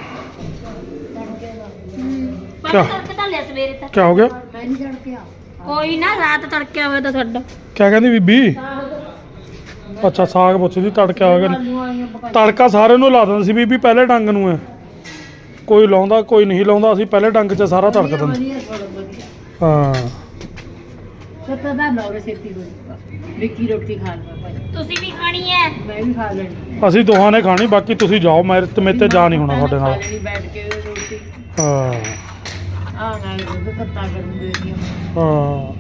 S2: ਪਰ
S1: ਕਿਆ?
S2: ਤੜਕੇ ਤਾਂ ਲਿਆ ਸਵੇਰੇ ਤੱਕ
S1: ਕੀ ਹੋ ਗਿਆ
S3: ਮੈਂ ਨਹੀਂ ਛੱਡ ਕੇ ਆ
S2: ਕੋਈ ਨਾ ਰਾਤ ਤੜਕੇ ਆਵੇ ਤਾਂ ਤੁਹਾਡਾ
S1: ਕਿਆ ਕਹਿੰਦੀ ਬੀਬੀ ਅੱਛਾ ਸਾਗ ਪੁੱਛਦੀ ਤੜਕਾ ਹੋ ਗਿਆ ਤੜਕਾ ਸਾਰੇ ਨੂੰ ਲਾ ਦਿੰਦੇ ਸੀ ਬੀਬੀ ਪਹਿਲੇ ਡੰਗ ਨੂੰ ਹੈ ਕੋਈ ਲਾਉਂਦਾ ਕੋਈ ਨਹੀਂ ਲਾਉਂਦਾ ਅਸੀਂ ਪਹਿਲੇ ਡੰਗ 'ਚ ਸਾਰਾ ਤੜਕ ਦਿੰਦੇ
S3: ਵਧੀਆ ਥੋੜਾ ਵਧੀਆ
S1: ਹਾਂ
S6: ਸੱਤਾ ਦਾ ਨੌਰੇ ਛੇਤੀ ਹੋ ਜਾਊਗਾ ਵਿੱਕੀ ਰੋਟੀ ਖਾ ਲਵਾ ਭਾਈ
S2: ਤੁਸੀਂ ਵੀ ਖਾਣੀ ਹੈ
S6: ਮੈਂ ਵੀ ਖਾ ਲੈਣੀ
S1: ਅਸੀਂ ਦੋਹਾਂ ਨੇ ਖਾਣੀ ਬਾਕੀ ਤੁਸੀਂ ਜਾਓ ਮੇਰੇ ਤੇ ਮੇਰੇ ਤੇ ਜਾ ਨਹੀਂ ਹੋਣਾ ਤੁਹਾਡੇ
S6: ਖਾ
S1: ਨਾਲ
S6: ਲੈਣੀ ਬੈਠ ਕੇ ਰੋਟੀ
S1: ਹਾਂ
S6: ਆ ਨਾਲ ਦੁੱਧ ਕੱਤਾ ਕਰਨ ਦੇ ਦੀ
S1: ਹਾਂ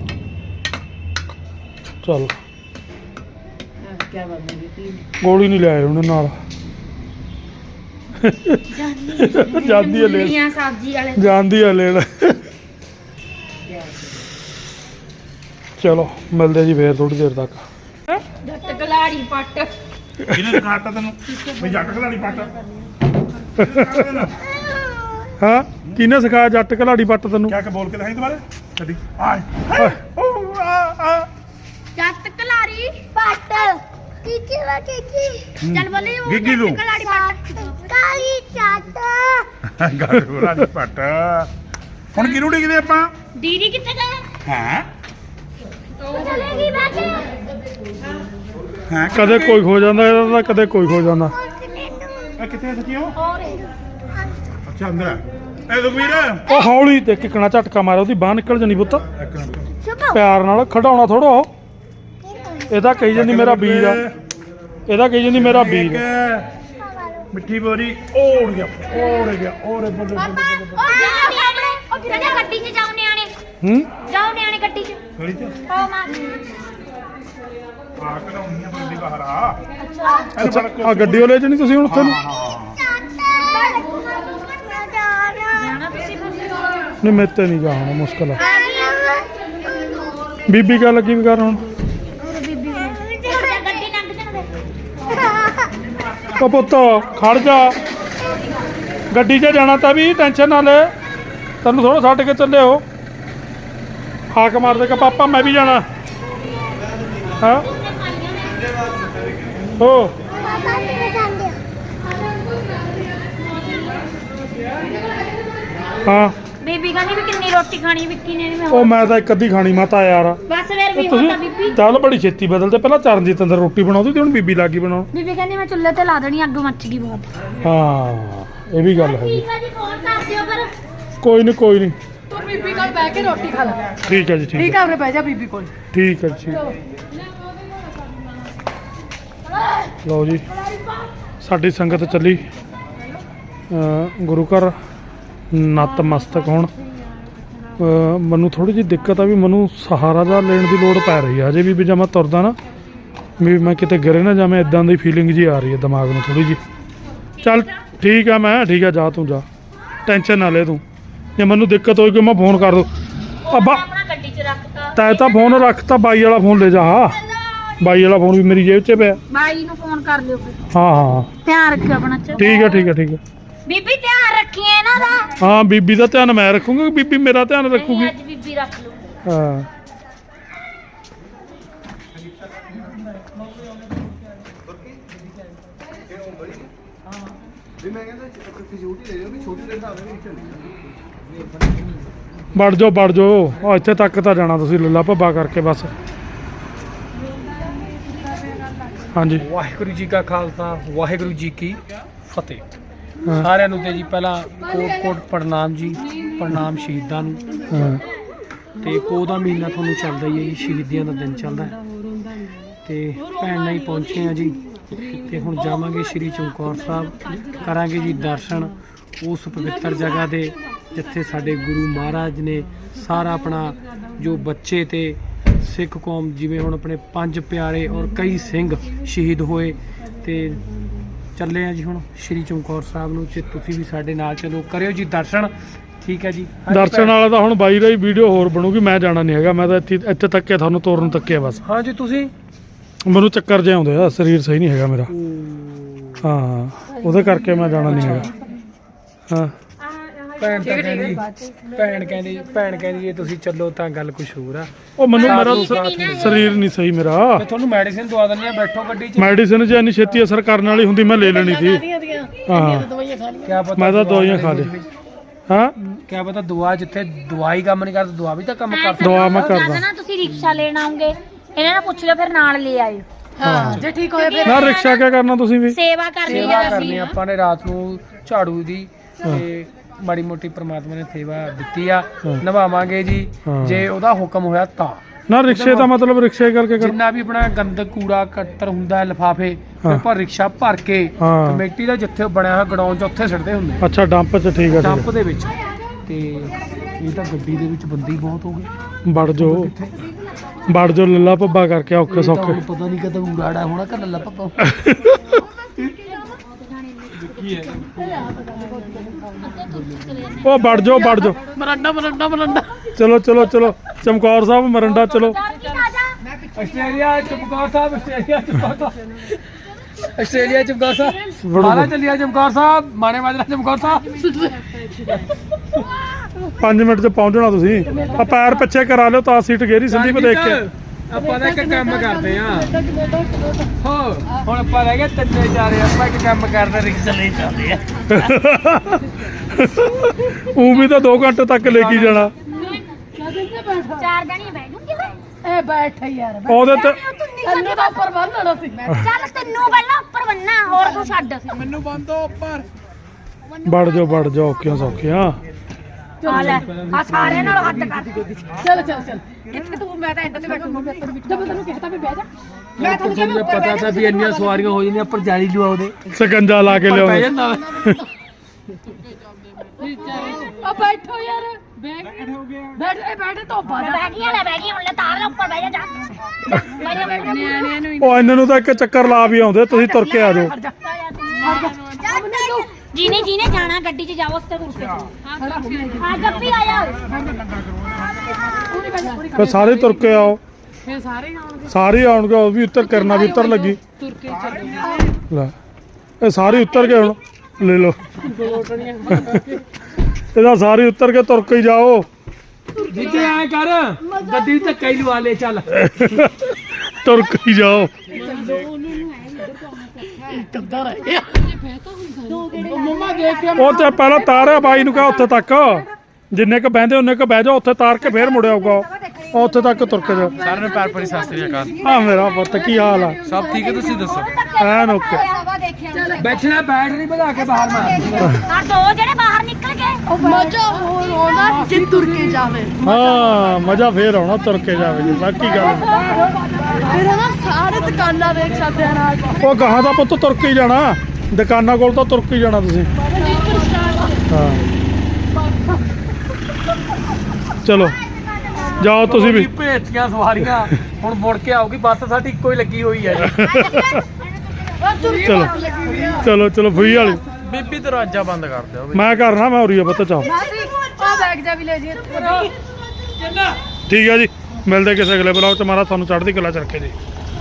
S1: ਚਲ
S6: ਕੀ ਬਣਦੀ ਵਿੱਕੀ
S1: ਗੋਲੀ ਨਹੀਂ ਲਿਆਏ ਉਹਨੇ ਨਾਲ ਜਾਂਦੀ ਹੈ ਲੈਣ
S2: ਮੂਲੀਆਂ ਸਬਜ਼ੀ ਵਾਲੇ
S1: ਜਾਂਦੀ ਹੈ ਲੈਣ ਚਲੋ ਮਿਲਦੇ ਜੀ ਫੇਰ ਥੋੜੀ ਦੇਰ ਤੱਕ
S2: ਜੱਟ ਗਲਾੜੀ ਪੱਟ
S4: ਕਿਹਨੇ ਦਿਖਾਤਾ ਤੈਨੂੰ ਵੀ ਜੱਟ ਖਲਾੜੀ ਪੱਟ
S1: ਹਾਂ ਕਿਹਨੇ ਸਿਖਾਇਆ ਜੱਟ ਘਲਾੜੀ ਪੱਟ ਤੈਨੂੰ
S4: ਕਿਆ ਕਿ ਬੋਲ ਕੇ ਦਿਖਾਈ ਦੁਬਾਰੇ ਕਦੀ ਆਏ ਹਾਏ, ਓ, ਆ, ਆ।
S2: ਜੱਟ ਗਲਾੜੀ ਪੱਟ ਕੀਕੀ ਵਾ ਕੀਕੀ ਚੱਲ ਬੋਲੀ ਉਹ
S4: ਗਿੱਗੀ ਨੂੰ।
S2: ਜੱਟ ਗਲਾੜੀ ਪੱਟ ਕਾਲੀ ਚੱਟ
S4: ਗੱਲ ਖਲਾੜੀ ਪੱਟ ਹੁਣ ਕਿਹਨੂੰ ਡਿੱਗਦੇ ਆਪਾਂ
S2: ਦੀਦੀ ਕਿੱਥੇ ਗਏ
S4: ਹੈ
S2: ਚਲੇਗੀ ਬਾਕੀ
S4: ਹੈ
S1: ਕਦੇ ਕੋਈ ਖੋ ਜਾਂਦਾ ਇਹਦਾ ਤਾਂ ਕਦੇ ਕੋਈ ਖੋ ਜਾਂਦਾ
S4: ਇਹ ਕਿੱਥੇ ਸੱਚੀਓ ਅੱਛਾ ਅੰਦਰ ਹੈ। ਇਹ ਸੁਖਵੀਰ
S1: ਉਹ ਹੌਲੀ ਤੇ ਕਿਕਣਾ ਝਟਕਾ ਮਾਰਿਆ ਉਹਦੀ ਬਾਹ ਨਿਕਲ ਜਾਣੀ ਪੁੱਤ
S4: ਇੱਕ ਮਿੰਟ
S1: ਪਿਆਰ ਨਾਲ ਖੜਾਉਣਾ ਥੋੜਾ ਉਹ ਇਹਦਾ ਕਹੀ ਜਾਂਦੀ ਮੇਰਾ ਬੀਜ ਆ ਇਹਦਾ ਕਹੀ ਜਾਂਦੀ ਮੇਰਾ ਬੀਜ ਆ।
S4: ਇੱਕ ਮਿੱਠੀ ਬੋਰੀ ਓੜ ਗਿਆ ਓੜ ਗਿਆ ਓਰੇ ਬੱਲੇ ਬੱਲੇ
S2: ਉਹ ਨਿਆਣੇ ਉਹ ਜਿਹੜੇ ਗੱਡੀ 'ਚ ਜਾਓ ਨਿਆਣੇ
S1: ਹੂੰ
S2: ਜਾਓ ਨਿਆਣੇ ਗੱਡੀ 'ਚ
S4: ਗਲੀ ਚ
S2: ਓ ਮਾਂ
S4: ਆ ਕਢਾਉਣੀ ਆ ਬੰਦੀ ਬਾਹਰ ਆ
S2: ਅੱਛਾ
S1: ਅੱਛਾ ਆ ਗੱਡੀ ਵਾਲੇ ਚ ਨਹੀਂ ਤੁਸੀਂ ਹੁਣ ਉੱਥੇ ਨੂੰ
S2: ਜਾਣਾ ਤੁਸੀਂ
S1: ਨਹੀਂ ਮੇਰੇ ਤੇ ਨਹੀਂ ਜਾਣਾ ਮੁਸ਼ਕਲ ਆ ਬੀਬੀ ਕਾ ਲੱਗੀ ਵੀ ਕਰ ਹੁਣ
S2: ਗੱਡੀ ਲੰਘ ਜਾਣਗੇ
S1: ਉਹ ਪੁੱਤ ਖੜ ਜਾ ਗੱਡੀ 'ਚ ਜਾਣਾ ਤਾਂ ਵੀ ਟੈਨਸ਼ਨ ਨਾ ਲੈ ਤੈਨੂੰ ਥੋੜਾ ਛੱਡ ਕੇ ਚੱਲੇ ਹੋ ਹਾਕ ਮਾਰ ਦੇ ਕਿ ਪਾਪਾ ਮੈਂ ਵੀ ਜਾਣਾ ਹਾਂ ਹੋ ਹਾਂ
S2: ਬੀਬੀ ਕਹਿੰਦੀ ਵੀ ਕਿੰਨੀ ਰੋਟੀ ਖਾਣੀ ਵਿੱਕੀ ਨੇ ਨਹੀਂ ਮੈਂ
S1: ਉਹ ਮੈਂ ਤਾਂ ਇੱਕ ਅੱਧੀ ਖਾਣੀ ਮਾਤਾ ਯਾਰ
S2: ਬਸ ਫਿਰ ਵੀ
S1: ਇਹ
S2: ਹੁੰਦਾ ਬੀਬੀ
S1: ਤੁਸੀਂ ਚੱਲ ਬੜੀ ਛੇਤੀ ਬਦਲਦੇ ਪਹਿਲਾਂ ਚਰਨਜੀਤ ਅੰਦਰ ਰੋਟੀ ਬਣਾਉਂਦੀ ਤੇ ਹੁਣ ਬੀਬੀ ਲੱਗੀ ਬਣਾਉਣ
S2: ਬੀਬੀ ਕਹਿੰਦੀ ਮੈਂ ਚੁੱਲ੍ਹੇ ਤੇ ਲਾ ਦੇਣੀ ਅੱਗ ਮੱਚ ਗਈ ਬਹੁਤ
S1: ਹਾਂ ਇਹ ਵੀ ਗੱਲ ਹੈਗੀ
S2: ਠੀਕ ਹੈ ਜੀ ਫੋਨ ਕਰ ਦਿਓ ਪਰ
S1: ਕੋਈ ਨਹੀਂ ਕੋਈ ਨਹੀਂ
S3: ਤੂੰ ਬੀਬੀ ਕੋਲ ਬਹਿ ਕੇ ਰੋਟੀ ਖਾ ਲੈ
S1: ਠੀਕ ਹੈ ਜੀ ਠੀਕ
S3: ਠੀਕ
S1: ਹੈ
S3: ਆ ਉਰੇ ਬਹਿ ਜਾ ਬੀਬੀ ਕੋਲ
S1: ਠੀਕ ਹੈ ਜੀ ਲਓ ਜੀ ਸਾਡੀ ਸੰਗਤ ਚੱਲੀ ਅ, ਗੁਰੂ ਘਰ ਨਤਮਸਤਕ ਹੋਣ ਅ, ਮੈਨੂੰ ਥੋੜੀ ਜਿਹੀ ਦਿੱਕਤ ਆ ਵੀ ਮੈਨੂੰ ਸਹਾਰਾ ਦਾ ਲੈਣ ਦੀ ਲੋੜ ਪੈ ਰਹੀ ਹੈ ਹਜੇ ਵੀ ਵੀ ਜਦ ਮੈਂ ਤੁਰਦਾ ਨਾ ਵੀ ਮੈਂ ਕਿਤੇ ਗਿਰੇ ਨਾ ਜਾਵੇਂ ਇਦਾਂ ਦੀ ਫੀਲਿੰਗ ਜੀ ਆ ਰਹੀ ਹੈ ਦਿਮਾਗ ਨੂੰ ਥੋੜੀ ਜੀ ਚੱਲ ਠੀਕ ਆ ਮੈਂ ਠੀਕ ਆ ਜਾ ਤੂੰ ਜਾ ਟੈਨਸ਼ਨ ਨਾ ਲੈ ਤੂੰ ਜੇ ਮੈਨੂੰ ਦਿੱਕਤ ਹੋਈ ਕਿ ਮੈਂ ਫੋਨ ਕਰ ਦੂੰ ਅੱਬਾ
S2: ਆਪਣਾ ਗੱਡੀ 'ਚ ਰੱਖਤਾ
S1: ਤੈ ਤਾਂ ਫੋਨ ਰੱਖਤਾ ਬਾਈ ਵਾਲਾ ਫੋਨ ਲੈ ਜਾ ਹਾਂ ਬਾਈ ਵਾਲਾ ਫੋਨ ਵੀ ਮੇਰੀ ਜੇਬ 'ਚ ਪਿਆ
S2: ਬਾਈ ਨੂੰ ਫੋਨ ਕਰ ਲਿਓ ਫਿਰ
S1: ਹਾਂ ਹਾਂ
S2: ਧਿਆਨ ਰੱਖਿਓ ਆਪਣਾ ਚ
S1: ਠੀਕ ਹੈ ਠੀਕ ਹੈ ਠੀਕ ਹੈ
S2: ਬੀਬੀ ਧਿਆਨ ਰੱਖੀਏ ਇਹਨਾਂ ਦਾ
S1: ਹਾਂ ਬੀਬੀ ਦਾ ਧਿਆਨ ਮੈਂ ਰੱਖੂੰਗਾ ਬੀਬੀ ਮੇਰਾ ਧਿਆਨ ਰੱਖੂਗੀ
S2: ਨਹੀਂ, ਅੱਜ ਬੀਬੀ ਰੱਖ ਲਓ
S1: ਹਾਂ ਵੜ ਜਾਓ ਵੜ ਜਾਓ, ਉਹ ਇੱਥੇ ਤੱਕ ਤਾਂ ਜਾਣਾ ਤੁਸੀਂ ਲੱਲਾ ਭੱਬਾ ਕਰਕੇ ਬਸ। ਹਾਂਜੀ
S7: ਵਾਹਿਗੁਰੂ ਜੀ ਕਾ ਖਾਲਸਾ ਵਾਹਿਗੁਰੂ ਜੀ ਕੀ ਫਤਿਹ।
S1: ਹਾਂ,
S7: ਸਾਰਿਆਂ ਨੂੰ ਤੇ ਜੀ ਪਹਿਲਾਂ ਕੋਟ ਕੋਟ ਪ੍ਰਣਾਮ ਜੀ, ਪ੍ਰਣਾਮ ਸ਼ਹੀਦਾਂ ਨੂੰ।
S1: ਹਾਂ,
S7: ਤੇ ਪੋਹ ਦਾ ਮਹੀਨਾ ਤੁਹਾਨੂੰ ਚੱਲਦਾ ਹੀ ਹੈ ਜੀ, ਸ਼ਹੀਦੀਆਂ ਦਾ ਦਿਨ ਚੱਲਦਾ ਹੈ ਤੇ ਭੈਣ ਨਾਲ ਹੀ ਪਹੁੰਚੇ ਆ ਜੀ। ਤੇ ਹੁਣ ਜਾਵਾਂਗੇ ਸ਼੍ਰੀ ਚਮਕੌਰ ਸਾਹਿਬ, ਕਰਾਂਗੇ ਜੀ ਦਰਸ਼ਨ ਉਸ ਪਵਿੱਤਰ ਜਗ੍ਹਾ ਦੇ ਜਿੱਥੇ ਸਾਡੇ ਗੁਰੂ ਮਹਾਰਾਜ ਨੇ ਸਾਰਾ ਆਪਣਾ ਜੋ ਬੱਚੇ ਤੇ ਸਿੱਖ ਕੌਮ, ਜਿਵੇਂ ਹੁਣ ਆਪਣੇ ਪੰਜ ਪਿਆਰੇ ਔਰ ਕਈ ਸਿੰਘ ਸ਼ਹੀਦ ਹੋਏ। ਤੇ ਚੱਲੇ ਆ ਜੀ ਹੁਣ ਸ਼੍ਰੀ ਚਮਕੌਰ ਸਾਹਿਬ ਨੂੰ, ਤੇ ਤੁਸੀਂ ਵੀ ਸਾਡੇ ਨਾਲ ਚਲੋ, ਕਰਿਓ ਜੀ ਦਰਸ਼ਨ। ਠੀਕ ਹੈ ਜੀ। ਹਾਂਜੀ
S1: ਦਰਸ਼ਨ
S7: ਭੈਣ।
S1: ਵਾਲਾ ਤਾਂ ਹੁਣ ਬਾਈ ਦਾ ਹੀ ਵੀਡੀਓ ਹੋਰ ਬਣੂਗੀ, ਮੈਂ ਜਾਣਾ ਨਹੀਂ ਹੈਗਾ, ਮੈਂ ਤਾਂ ਇੱਥੇ ਇੱਥੇ ਤੱਕ ਤੁਹਾਨੂੰ ਤੋਰਨ ਤੱਕਿਆ ਬਸ।
S7: ਹਾਂ ਜੀ ਤੁਸੀਂ
S1: ਮੈਨੂੰ ਚੱਕਰ ਜਿਹਾ ਆਉਂਦੇ ਆ, ਸਰੀਰ ਸਹੀ ਨਹੀਂ ਹੈਗਾ ਮੇਰਾ। ਹਾਂ, ਉਹਦੇ ਕਰਕੇ ਮੈਂ ਜਾਣਾ ਨਹੀਂ ਹੈਗਾ। ਹਾਂ,
S7: ਭੈਣ ਤਾਂ ਕਹਿੰਦੀ ਭੈਣ ਕਹਿੰਦੀ ਭੈਣ ਕਹਿੰਦੀ ਜੇ ਤੁਸੀਂ ਚੱਲੋ ਤਾਂ ਗੱਲ ਕੁਝ ਹੋਰ ਆ।
S1: ਉਹ ਮੈਨੂੰ ਮੇਰਾ
S7: ਸਾਥ
S1: ਸ-
S7: ਨਹੀਂ
S1: ਸਰੀਰ ਨਹੀਂ ਸਹੀ ਮੇਰਾ।
S7: ਮੈਂ ਤੁਹਾਨੂੰ ਮੈਡੀਸਿਨ ਦਵਾ ਦਿੰਦੇ ਆ, ਬੈਠੋ ਗੱਡੀ 'ਚ।
S1: ਮੈਡੀਸਿਨ ਜੇ ਇੰਨੀ ਛੇਤੀ ਅਸਰ ਕਰਨ ਵਾਲੀ ਹੁੰਦੀ ਮੈਂ ਲੈ ਲੈਣੀ ਸੀ। ਹਾਂ,
S7: ਕਿਆ ਪਤਾ
S1: ਮੈਂ ਤਾਂ ਦਵਾਈਆਂ ਖਾ ਲਈ। ਹਾਂ,
S7: ਕਿਆ ਪਤਾ ਦਵਾ ਜਿੱਥੇ ਦਵਾਈ ਕੰਮ ਨਹੀਂ ਕਰਦੀ, ਦਵਾ ਵੀ ਤਾਂ ਕੰਮ ਕਰਦੀ।
S1: ਦਵਾ ਮੈਂ
S2: ਜਦ
S1: ਕਰਦਾ।
S2: ਨਾ ਤੁਸੀਂ ਰਿਕਸ਼ਾ ਲੈਣ ਆਉਂਗੇ, ਇਹਨਾਂ ਨੂੰ ਪੁੱਛ ਲਿਓ, ਫਿਰ ਨਾਲ ਲੈ ਆਇਓ।
S3: ਹਾਂ ਜੇ ਠੀਕ ਹੋਇਆ ਫਿਰ
S1: ਨਾ ਰਿਕਸ਼ਾ ਕਿਆ ਕਰਨਾ ਤੁਸੀਂ ਵੀ?
S2: ਸੇਵਾ ਕਰਨੀ
S7: ਸੇਵਾ
S2: ਹੈ
S7: ਕਰਨੀ
S2: ਅਸੀਂ।
S7: ਆਪਾਂ ਨੇ ਰਾਤ ਨੂੰ ਝਾੜੂ ਦੀ ਤੇ ਮਾੜੀ ਮੋਟੀ ਪ੍ਰਮਾਤਮਾ ਨੇ ਸੇਵਾ ਦਿੱਤੀ ਆ,
S1: ਹਾਂ।
S7: ਨਿਭਾਵਾਂਗੇ ਜੀ
S1: ਹਾਂ।
S7: ਜੇ ਉਹਦਾ ਹੁਕਮ ਹੋਇਆ ਤਾਂ।
S1: ਨਾ ਰਿਕਸ਼ੇ ਦਾ ਮਤਲਬ ਰਿਕਸ਼ੇ ਕਰਕੇ ਕਰ।
S7: ਜਿੰਨਾ ਵੀ ਆਪਣਾ ਗੰਦ ਕੂੜਾ ਕੱਟਰ ਹੁੰਦਾ ਲਿਫਾਫੇ,
S1: ਹਾਂ।
S7: ਆਪਾਂ ਰਿਕਸ਼ਾ ਭਰ ਕੇ
S1: ਹਾਂ।
S7: ਕਮੇਟੀ ਦਾ ਜਿੱਥੇ ਬਣਿਆ ਹੋਇਆ ਗਡਾਊਨ 'ਚ ਉੱਥੇ ਸਿੱਟਦੇ ਹੁੰਦੇ
S1: ਅੱਛਾ, ਡੰਪ 'ਚ, ਠੀਕ ਆ
S7: ਡੰਪ
S1: ਠੀਕ
S7: ਦੇ ਵਿੱਚ। ਤੇ ਇਹ ਤਾਂ ਗੱਡੀ ਦੇ ਵਿੱਚ ਬੰਦੇ ਹੀ ਬਹੁਤ ਹੋ ਗਏ।
S1: ਆ। ਵੜ ਜਾਓ ਵੜ ਜਾਓ, ਲੱਲਾ ਭੱਬਾ ਕਰਕੇ ਔਖੇ
S7: ਇਹ ਤਾਂ
S1: ਸੌਖੇ।
S7: ਹੁਣ ਪਤਾ ਨਹੀਂ ਕਦੋਂ ਉਰਾੜਾ ਹੋਣਾ ਕਿ ਲੱਲਾ ਪੱਪਾ।
S1: ਉਹ ਵੜ ਜਾਓ ਵੜ ਜਾਓ,
S3: ਮਰੰਡਾ ਮਰੰਡਾ ਮਰੰਡਾ
S1: ਚਲੋ ਚਲੋ ਚਲੋ, ਚਮਕੌਰ ਸਾਹਿਬ ਮਰੰਡਾ ਚਲੋ।
S7: Australia Chamkaur Sahib, Australia Chamkaur Sahib, Australia Chamkaur Sahib.
S1: ਵੜੋ।
S7: ਮਾਲਾ ਚੱਲਿਆ ਚਮਕੌਰ ਸਾਹਿਬ, ਮਾਣੇ ਮਾਜਰਾ ਚਮਕੌਰ ਸਾਹਿਬ।
S1: ਪੰਜ ਮਿੰਟ 'ਚ ਪਹੁੰਚਣਾ ਤੁਸੀਂ। ਆ ਪੈਰ ਪਿੱਛੇ ਕਰਾ ਲਿਓ ਤਾਂ ਸੀਟ ਗੇਰੀ ਸੰਦੀਪ ਦੇਖ ਕੇ।
S7: ਆਪਾਂ ਤਾਂ ਇੱਕ ਕੰਮ ਕਰਦੇ ਆ ਹੋ, ਹੁਣ ਆਪਾਂ ਰਹਿ ਗਏ ਤਿੰਨੇ ਚਾਰੇ, ਆਪਾਂ ਇੱਕ ਕੰਮ ਕਰਦੇ, ਰਿਕਸ਼ਾ ਲੈ ਜਾਂਦੇ ਆ।
S1: ਉਹ ਵੀ ਤਾਂ ਦੋ ਘੰਟੇ ਤੱਕ ਲੈ ਕੇ ਜਾਣਾ
S2: ਚਾਰ ਜਣੀਆਂ ਬਹਿ ਜੂਗੀ।
S3: ਇਹ ਬੈਠ ਯਾਰ
S1: ਉਹਦੇ ਤੇ।
S3: ਤੈਨੂੰ ਤਾਂ ਉੱਪਰ ਬੰਨਣਾ ਸੀ।
S2: ਚੱਲ ਤੈਨੂੰ ਪਹਿਲਾਂ ਉੱਪਰ ਬੰਨਾ, ਹੋਰ ਤੂੰ ਛੱਡ।
S7: ਮੈਨੂੰ ਬੰਦੋ ਉੱਪਰ।
S1: ਵੜ ਜਾਓ ਵੜ ਜਾਓ, ਔਖੀਆਂ ਸੌਖੀਆਂ।
S2: ਆ ਲੈ, ਆ ਸਾਰਿਆਂ ਨਾਲ ਹੱਦ ਕਰ।
S3: ਚੱਲ ਚੱਲ ਚੱਲ ਕਿੱਥੇ ਤੂੰ? ਮੈਂ ਤਾਂ ਐਂਡ ਤੇ ਬੈਠੂੰਗਾ। ਜਦ ਤੈਨੂੰ ਕਿਹਾ ਤਾਂ ਵੀ ਬਹਿ ਜਾ। ਮੈਂ ਤੁਹਾਨੂੰ
S7: ਤੁਹਾਨੂੰ ਤਾਂ ਪਤਾ ਤਾਂ ਵੀ ਇੰਨੀਆਂ ਸਵਾਰੀਆਂ ਹੋ ਜਾਂਦੀਆਂ, ਪਰ ਜਾਲੀ ਲਵਾਓ ਦੇ
S1: ਸਕੰਜਾ ਲਾ ਕੇ
S7: ਪਰ ਪੈ
S1: ਲਿਆਉਂਦੇ।
S7: ਜਾਂਦਾ ਵਾ।
S3: ਆ ਬੈਠੋ ਯਾਰ, ਬੈਠ ਬੈਠ ਇਹ ਬੈਠ ਤੋਂ ਬਾਹਰ।
S2: ਬਹਿ ਗਈਆਂ ਲੈ, ਬਹਿ ਗਈਆਂ ਹੁਣ, ਲੈ ਤਾਰ ਲੈ ਉੱਪਰ, ਬਹਿ ਜਾ ਜਾ। ਬਹਿ ਜਾ, ਬਹਿ ਜਾ।
S3: ਨਿਆਣਿਆਂ ਨੂੰ
S1: ਉਹ ਇਹਨਾਂ ਨੂੰ ਤਾਂ ਇੱਕ ਚੱਕਰ ਲਾ ਵੀ ਆਉਂਦੇ, ਤੁਸੀਂ ਤੁਰ ਕੇ ਆ ਜਾਓ।
S2: ਜਿਹਨੇ ਜਿਹਨੇ ਜਾਣਾ ਗੱਡੀ 'ਚ ਜਾਓ, ਉਸ ਤੇ ਤੁਰ ਕੇ ਆ। ਗੱਪੀ ਆ ਜਾ।
S1: ਫਿਰ ਸਾਰੇ ਤੁਰ ਕੇ ਆਓ,
S3: ਫਿਰ ਸਾਰੇ ਹੀ ਆਉਣਗੇ
S1: ਸਾਰੇ ਆਉਣਗੇ। ਉਹ ਵੀ ਉੱਤਰ ਕਰਨਾ ਵੀ ਉੱਤਰ ਲੱਗੀ।
S3: ਤੁਰ ਕੇ ਚੱਲੋ।
S1: ਲੈ, ਇਹ ਸਾਰੇ ਉੱਤਰ ਗਏ, ਹੁਣ ਲੈ ਲਓ। ਇਹਦਾ ਸਾਰੇ ਉੱਤਰ ਕੇ ਤੁਰ ਕੇ ਹੀ ਜਾਓ।
S7: ਜਿੱਥੇ ਐ ਕਰ, ਗੱਡੀ ਧੱਕਾ ਹੀ ਲਵਾ ਲੈ ਚੱਲ।
S1: ਤੁਰ ਕੇ ਹੀ ਜਾਓ।
S3: ਕਿੱਦਾਂ ਰਹਿ ਗਿਆ? ਮੰਮਾ ਦੇਖ ਕੇ
S1: ਉਹ ਤੇ ਪਹਿਲਾਂ ਤਾਰਿਆ ਬਾਈ ਨੂੰ ਕਹਾ ਉੱਥੇ ਤੱਕ, ਜਿੰਨੇ ਕ ਬਹਿੰਦੇ ਉਹਨੇ ਕ ਬਹਿ ਜਾਓ, ਉੱਥੇ ਤਾਰ ਕੇ ਫੇਰ ਮੁੜ ਆਊਗਾ। ਉਹ ਉੱਥੇ ਤੱਕ ਤੁਰ ਕੇ ਜਾਓ।
S7: ਸਾਰਿਆਂ ਨੂੰ ਪਿਆਰ ਭਰੀ ਸਤਿ ਸ੍ਰੀ ਅਕਾਲ।
S1: ਆ ਮੇਰਾ ਪੁੱਤ, ਕੀ ਹਾਲ ਆ?
S7: ਸਭ ਠੀਕ ਹੈ, ਤੁਸੀਂ ਦੱਸੋ।
S1: ਐਨ ਓਕੇ।
S7: ਬੈਠਣਾ ਬੈਟਰੀ ਵਧਾ ਕੇ ਬਾਹਰ ਮਾਰ।
S2: ਆ ਦੋ ਜਿਹੜੇ ਬਾਹਰ ਨਿਕਲ ਗਏ।
S3: ਮਜ਼ਾ ਹੋਰ ਆਉਣਾ ਜੇ ਤੁਰ ਕੇ ਜਾਵੇ।
S1: ਹਾਂ, ਮਜ਼ਾ ਫੇਰ ਆਉਣਾ ਤੁਰ ਕੇ ਜਾਵੇ ਜੀ, ਬਾਕੀ ਗੱਲ
S3: ਫਿਰ ਨਾ ਸਾਰੇ ਦੁਕਾਨਾਂ ਦੇਖ ਸਕਦੇ ਆ ਨਾਲ।
S1: ਉਹ ਗਾਹਾਂ ਦਾ ਪੁੱਤ ਤੁਰ ਕੇ ਹੀ ਜਾਣਾ, ਦੁਕਾਨਾਂ ਕੋਲ ਤਾਂ ਤੁਰ ਕੇ ਹੀ ਜਾਣਾ ਤੁਸੀਂ। ਹਾਂ, ਚਲੋ ਜਾਓ ਤੁਸੀਂ ਵੀ।
S7: ਭੇਜਤੀਆਂ ਸਵਾਰੀਆਂ, ਹੁਣ ਮੁੜ ਕੇ ਆਊਗੀ ਬੱਸ, ਸਾਡੀ ਇੱਕੋ ਹੀ ਲੱਗੀ ਹੋਈ ਹੈ ਜੀ।
S1: ਚਲੋ ਚਲੋ ਚਲੋ, ਫਰੀ ਵਾਲੀ
S7: ਬੀਬੀ ਦਰਵਾਜ਼ਾ ਬੰਦ ਕਰ ਦਿਓ।
S1: ਮੈਂ ਕਰਨਾ, ਮੈਂ ਉਰੀ ਆ ਪੁੱਤ, ਚਾਓ।
S3: ਆ ਬੈਗ ਜਾ ਵੀ ਲੈ ਜੀ।
S1: ਠੀਕ ਹੈ ਜੀ, ਮਿਲਦੇ ਕਿਸੇ ਅਗਲੇ ਬਲੌਗ 'ਚ। ਮਾਰਾ ਤੁਹਾਨੂੰ ਚੜ੍ਹਦੀ ਕਲਾ ਚ ਰੱਖੇ ਜੀ।